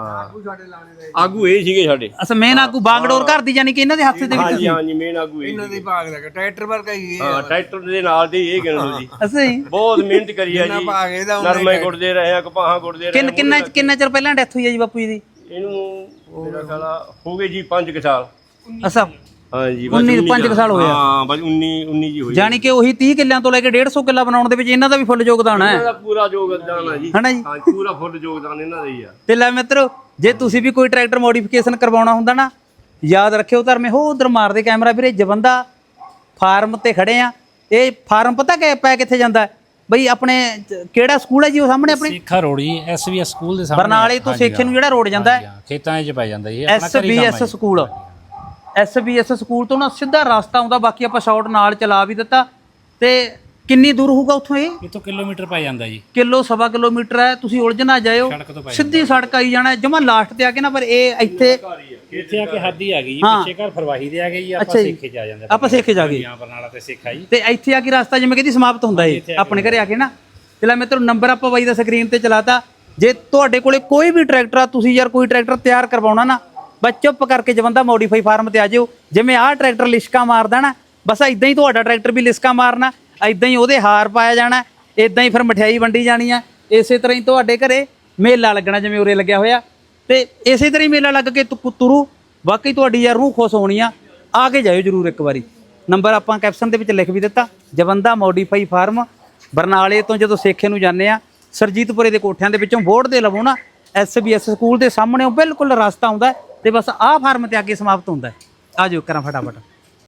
S5: ਆਗੂ ਇਹ ਸੀਗੇ ਸਾਡੇ
S1: ਅਸਾਂ ਮੇਨ ਆਗੂ ਬਾਗਡੋਰ ਘਰ ਦੀ ਜਾਨੀ ਕਿ ਇਹਨਾਂ ਦੇ ਹੱਥ ਦੇ ਵਿੱਚ
S5: ਹਾਂਜੀ ਹਾਂਜੀ ਮੇਨ ਆਗੂ ਇਹ
S2: ਇਹਨਾਂ ਦੇ ਭਾਗ ਦਾ ਟਰੈਕਟਰ ਵਰਗਾ ਹੀ ਇਹ
S5: ਹਾਂ ਟਰੈਕਟਰ ਦੇ ਨਾਲ ਦੇ ਇਹ ਗਿਣੋ ਜੀ
S1: ਅਸੀਂ
S5: ਬਹੁਤ ਮਿਹਨਤ ਕਰੀ ਆ ਜੀ
S2: ਭਾਗ ਇਹਦਾ ਉਹਨਾਂ
S5: ਨਰਮੇ ਗੁੱਟਦੇ ਰਹੇ ਆ ਕਪਾਹਾਂ ਗੁੱਟਦੇ ਰਹੇ
S1: ਕਿੰਨ ਕਿੰਨਾ ਕਿੰਨਾ ਚਿਰ ਪਹਿਲਾਂ ਡੈਥ ਹੋਈ ਹੈ ਜੀ ਬਾਪੂ ਜੀ ਦੀ
S5: ਇਹਨੂੰ ਮੇਰਾ ਖਿਆਲ ਆ ਹੋ ਗਏ ਜੀ ਪੰਜ ਕੁ ਸਾਲ
S1: ਅਸਾਂ
S5: ਹਾਂਜੀ
S1: ਉੱਨੀ ਪੰਜ ਕੁ ਸਾਲ ਹੋਏ ਆ।
S5: ਹਾਂ ਬਸ ਉੱਨੀ ਉੱਨੀ ਜੀ ਹੋਈ
S1: ਜਾਨੀ ਕਿ ਉਹੀ ਤੀਹ ਕਿੱਲਿਆਂ ਤੋਂ ਲੈ ਕੇ ਡੇਢ ਸੌ ਕਿੱਲਾ ਬਣਾਉਣ ਦੇ ਵਿੱਚ ਇਹਨਾਂ ਦਾ ਵੀ ਫੁੱਲ ਯੋਗਦਾਨ ਹੈ
S5: ਇਹਨਾਂ ਦਾ ਪੂਰਾ ਯੋਗਦਾਨ ਆ ਜੀ
S1: ਹਨਾ ਜੀ
S5: ਹਾਂ ਪੂਰਾ ਫੁੱਲ ਯੋਗਦਾਨ ਇਹਨਾਂ ਦਾ ਹੀ ਆ
S1: ਤੇ ਲੈ ਮਿੱਤਰੋ ਜੇ ਤੁਸੀਂ ਵੀ ਕੋਈ ਟਰੈਕਟਰ ਮੋਡੀਫਿਕੇਸ਼ਨ ਕਰਵਾਉਣਾ ਹੁੰਦਾ ਨਾ ਯਾਦ ਰੱਖਿਓ ਧਰਮੇ ਹੋ ਉਧਰ ਮਾਰਦੇ ਕੈਮਰਾ ਵੀਰੇ ਜਵੰਦਾ ਫਾਰਮ ਤੇ ਖੜੇ ਆ ਇਹ ਫਾਰਮ ਪਤਾ ਕਿ ਪੈ ਕਿੱਥੇ ਜਾਂਦਾ ਬਈ ਆਪਣੇ ਚ- ਕਿਹੜਾ ਸਕੂਲ ਹੈ ਜੀ ਉਹ ਸਾਹਮਣੇ ਆਪਣੇ
S4: ਸੇਖਾ ਰੋੜੀ ਐਸਬੀਐਸ ਸਕੂਲ ਦੇ ਸਾਹਮਣੇ
S1: ਬਰਨਾਲੇ ਤੋਂ ਸੇਖੇ ਨੂੰ ਜਿਹੜਾ ਰੋਡ ਜਾਂਦਾ ਹੈ
S4: ਹਾਂ, ਖੇਤਾਂ 'ਚ ਪੈ ਜਾਂਦਾ ਇਹ ਆਪਣਾ ਘਰੀ ਕੰਮ
S1: ਐਸਬੀਐਸ
S4: ਹੈ
S1: ਸਕੂਲ ਐਸਬੀਐਸ ਸਕੂਲ ਤੋਂ ਨਾ ਸਿੱਧਾ ਰਸਤਾ ਆਉਂਦਾ ਬਾਕੀ ਆਪਾਂ ਸ਼ਾਰਟ ਨਾਲ ਚਲਾ ਵੀ ਦਿੱਤਾ ਤੇ ਕਿੰਨੀ ਦੂਰ ਹੋਊਗਾ ਉੱਥੋਂ ਇਹ
S4: ਇਹ ਤੋਂ ਕਿਲੋਮੀਟਰ ਪੈ ਜਾਂਦਾ ਜੀ
S1: ਕਿਲੋ ਸਵਾ ਕਿਲੋਮੀਟਰ ਹੈ ਤੁਸੀਂ ਉਲਝ ਨਾ ਜਾਇਓ
S4: ਸੜਕ ਤੋਂ ਪੈ
S1: ਸਿੱਧੀ ਸੜਕ ਆਈ ਜਾਣਾ ਜਮਾ ਲਾਸਟ ਤੇ ਆ ਕੇ ਨਾ ਪਰ ਇਹ ਇੱਥੇ
S4: ਇੱਥੇ ਆ ਕੇ ਹੱਦ ਹੀ ਆ ਗਈ ਜੀ
S1: ਹਾਂ।
S4: ਪਿੱਛੇ ਘਰ ਫਰਵਾਹੀ ਦੇ ਆ ਗਏ ਜੀ ਆਪਾਂ
S1: ਅੱਛਾ ਜੀ।
S4: ਸੇਖੇ ਜਾ ਜਾਂਦੇ
S1: ਆਪਾਂ ਸੇਖੇ ਜਾ ਗਏ
S4: ਹਾਂ ਬਰਨਾਲਾ ਤੇ ਸੇਖਾ ਜੀ
S1: ਤੇ ਇੱਥੇ ਆ ਕੇ ਰਸਤਾ ਜਿਵੇਂ ਕਹਿੰਦੀ ਸਮਾਪਤ ਹੁੰਦਾ ਏ ਆਪਣੇ ਘਰੇ ਆ ਕੇ ਨਾ ਤੇ ਲੈ ਮਿੱਤਰੋ ਨੰਬਰ ਆਪਾਂ ਬਾਈ ਦਾ ਸਕਰੀਨ ਤੇ ਚਲਾਤਾ ਜੇ ਤੁਹਾਡੇ ਕੋਲੇ ਕੋਈ ਵੀ ਟਰੈਕਟਰ ਆ ਤੁਸੀਂ ਯਾਰ ਕੋਈ ਟਰੈਕਟਰ ਤਿਆਰ ਕਰਵਾਉਣਾ ਨਾ ਬਸ ਚੁੱਪ ਕਰਕੇ ਜਵੰਦਾ ਮੋਡੀਫਾਈ ਫਾਰਮ ਤੇ ਆ ਜਿਓ ਜਿਵੇਂ ਆਹ ਟਰੈਕਟਰ ਲਿਸ਼ਕਾ ਮਾਰਦਾ ਨਾ ਬਸ ਇਦਾਂ ਹੀ ਤੁਹਾਡਾ ਟਰੈਕਟਰ ਵੀ ਲਿਸ਼ਕਾ ਮਾਰਨਾ ਇਦਾਂ ਹੀ ਉਹਦੇ ਹਾਰ ਪਾਇਆ ਜਾਣਾ ਇਦਾਂ ਹੀ ਫਿਰ ਮਠਿਆਈ ਵੰਡੀ ਜਾਣੀ ਆ ਇਸੇ ਤਰ੍ਹਾਂ ਹੀ ਤੁਹਾਡੇ ਘਰੇ ਮੇਲਾ ਲੱਗਣਾ ਜਿਵੇਂ ਉਰੇ ਲੱਗਿਆ ਹੋਇਆ ਤੇ ਇਸੇ ਤਰ੍ਹਾਂ ਹੀ ਮੇਲਾ ਲੱਗ ਕੇ ਤੁ- ਤੁਰੂ ਵਾਕਈ ਤੁਹਾਡੀ ਯਾਰ ਰੂਹ ਖੁਸ਼ ਹੋਣੀ ਆ ਆ ਕੇ ਜਾਇਓ ਜਰੂਰ ਇੱਕ ਵਾਰੀ ਨੰਬਰ ਆਪਾਂ ਕੈਪਸ਼ਨ ਦੇ ਵਿੱਚ ਲਿਖ ਵੀ ਦਿੱਤਾ ਜਵੰਦਾ ਮੋਡੀਫਾਈ ਫਾਰਮ ਬਰਨਾਲੇ ਤੋਂ ਜਦੋਂ ਸੇਖੇ ਨੂੰ ਜਾਂਦੇ ਆ ਸਰਜੀਤਪੁਰੇ ਦੇ ਕੋਠਿਆਂ ਦੇ ਵਿੱਚੋਂ ਬੋਰਡ ਦੇ ਲਵੋ ਨਾ ਐਸਬੀਐਸ ਸਕੂਲ ਦੇ ਸਾਹਮਣੇ ਬਿਲਕੁਲ ਰਸਤਾ ਆਉਂਦਾ ਤੇ ਬਸ ਆਹ ਫਾਰਮ ਤੇ ਅੱਗੇ ਸਮਾਪਤ ਹੁੰਦਾ ਆ ਜਾਓ ਕਰਾਂ ਫਟਾਫਟ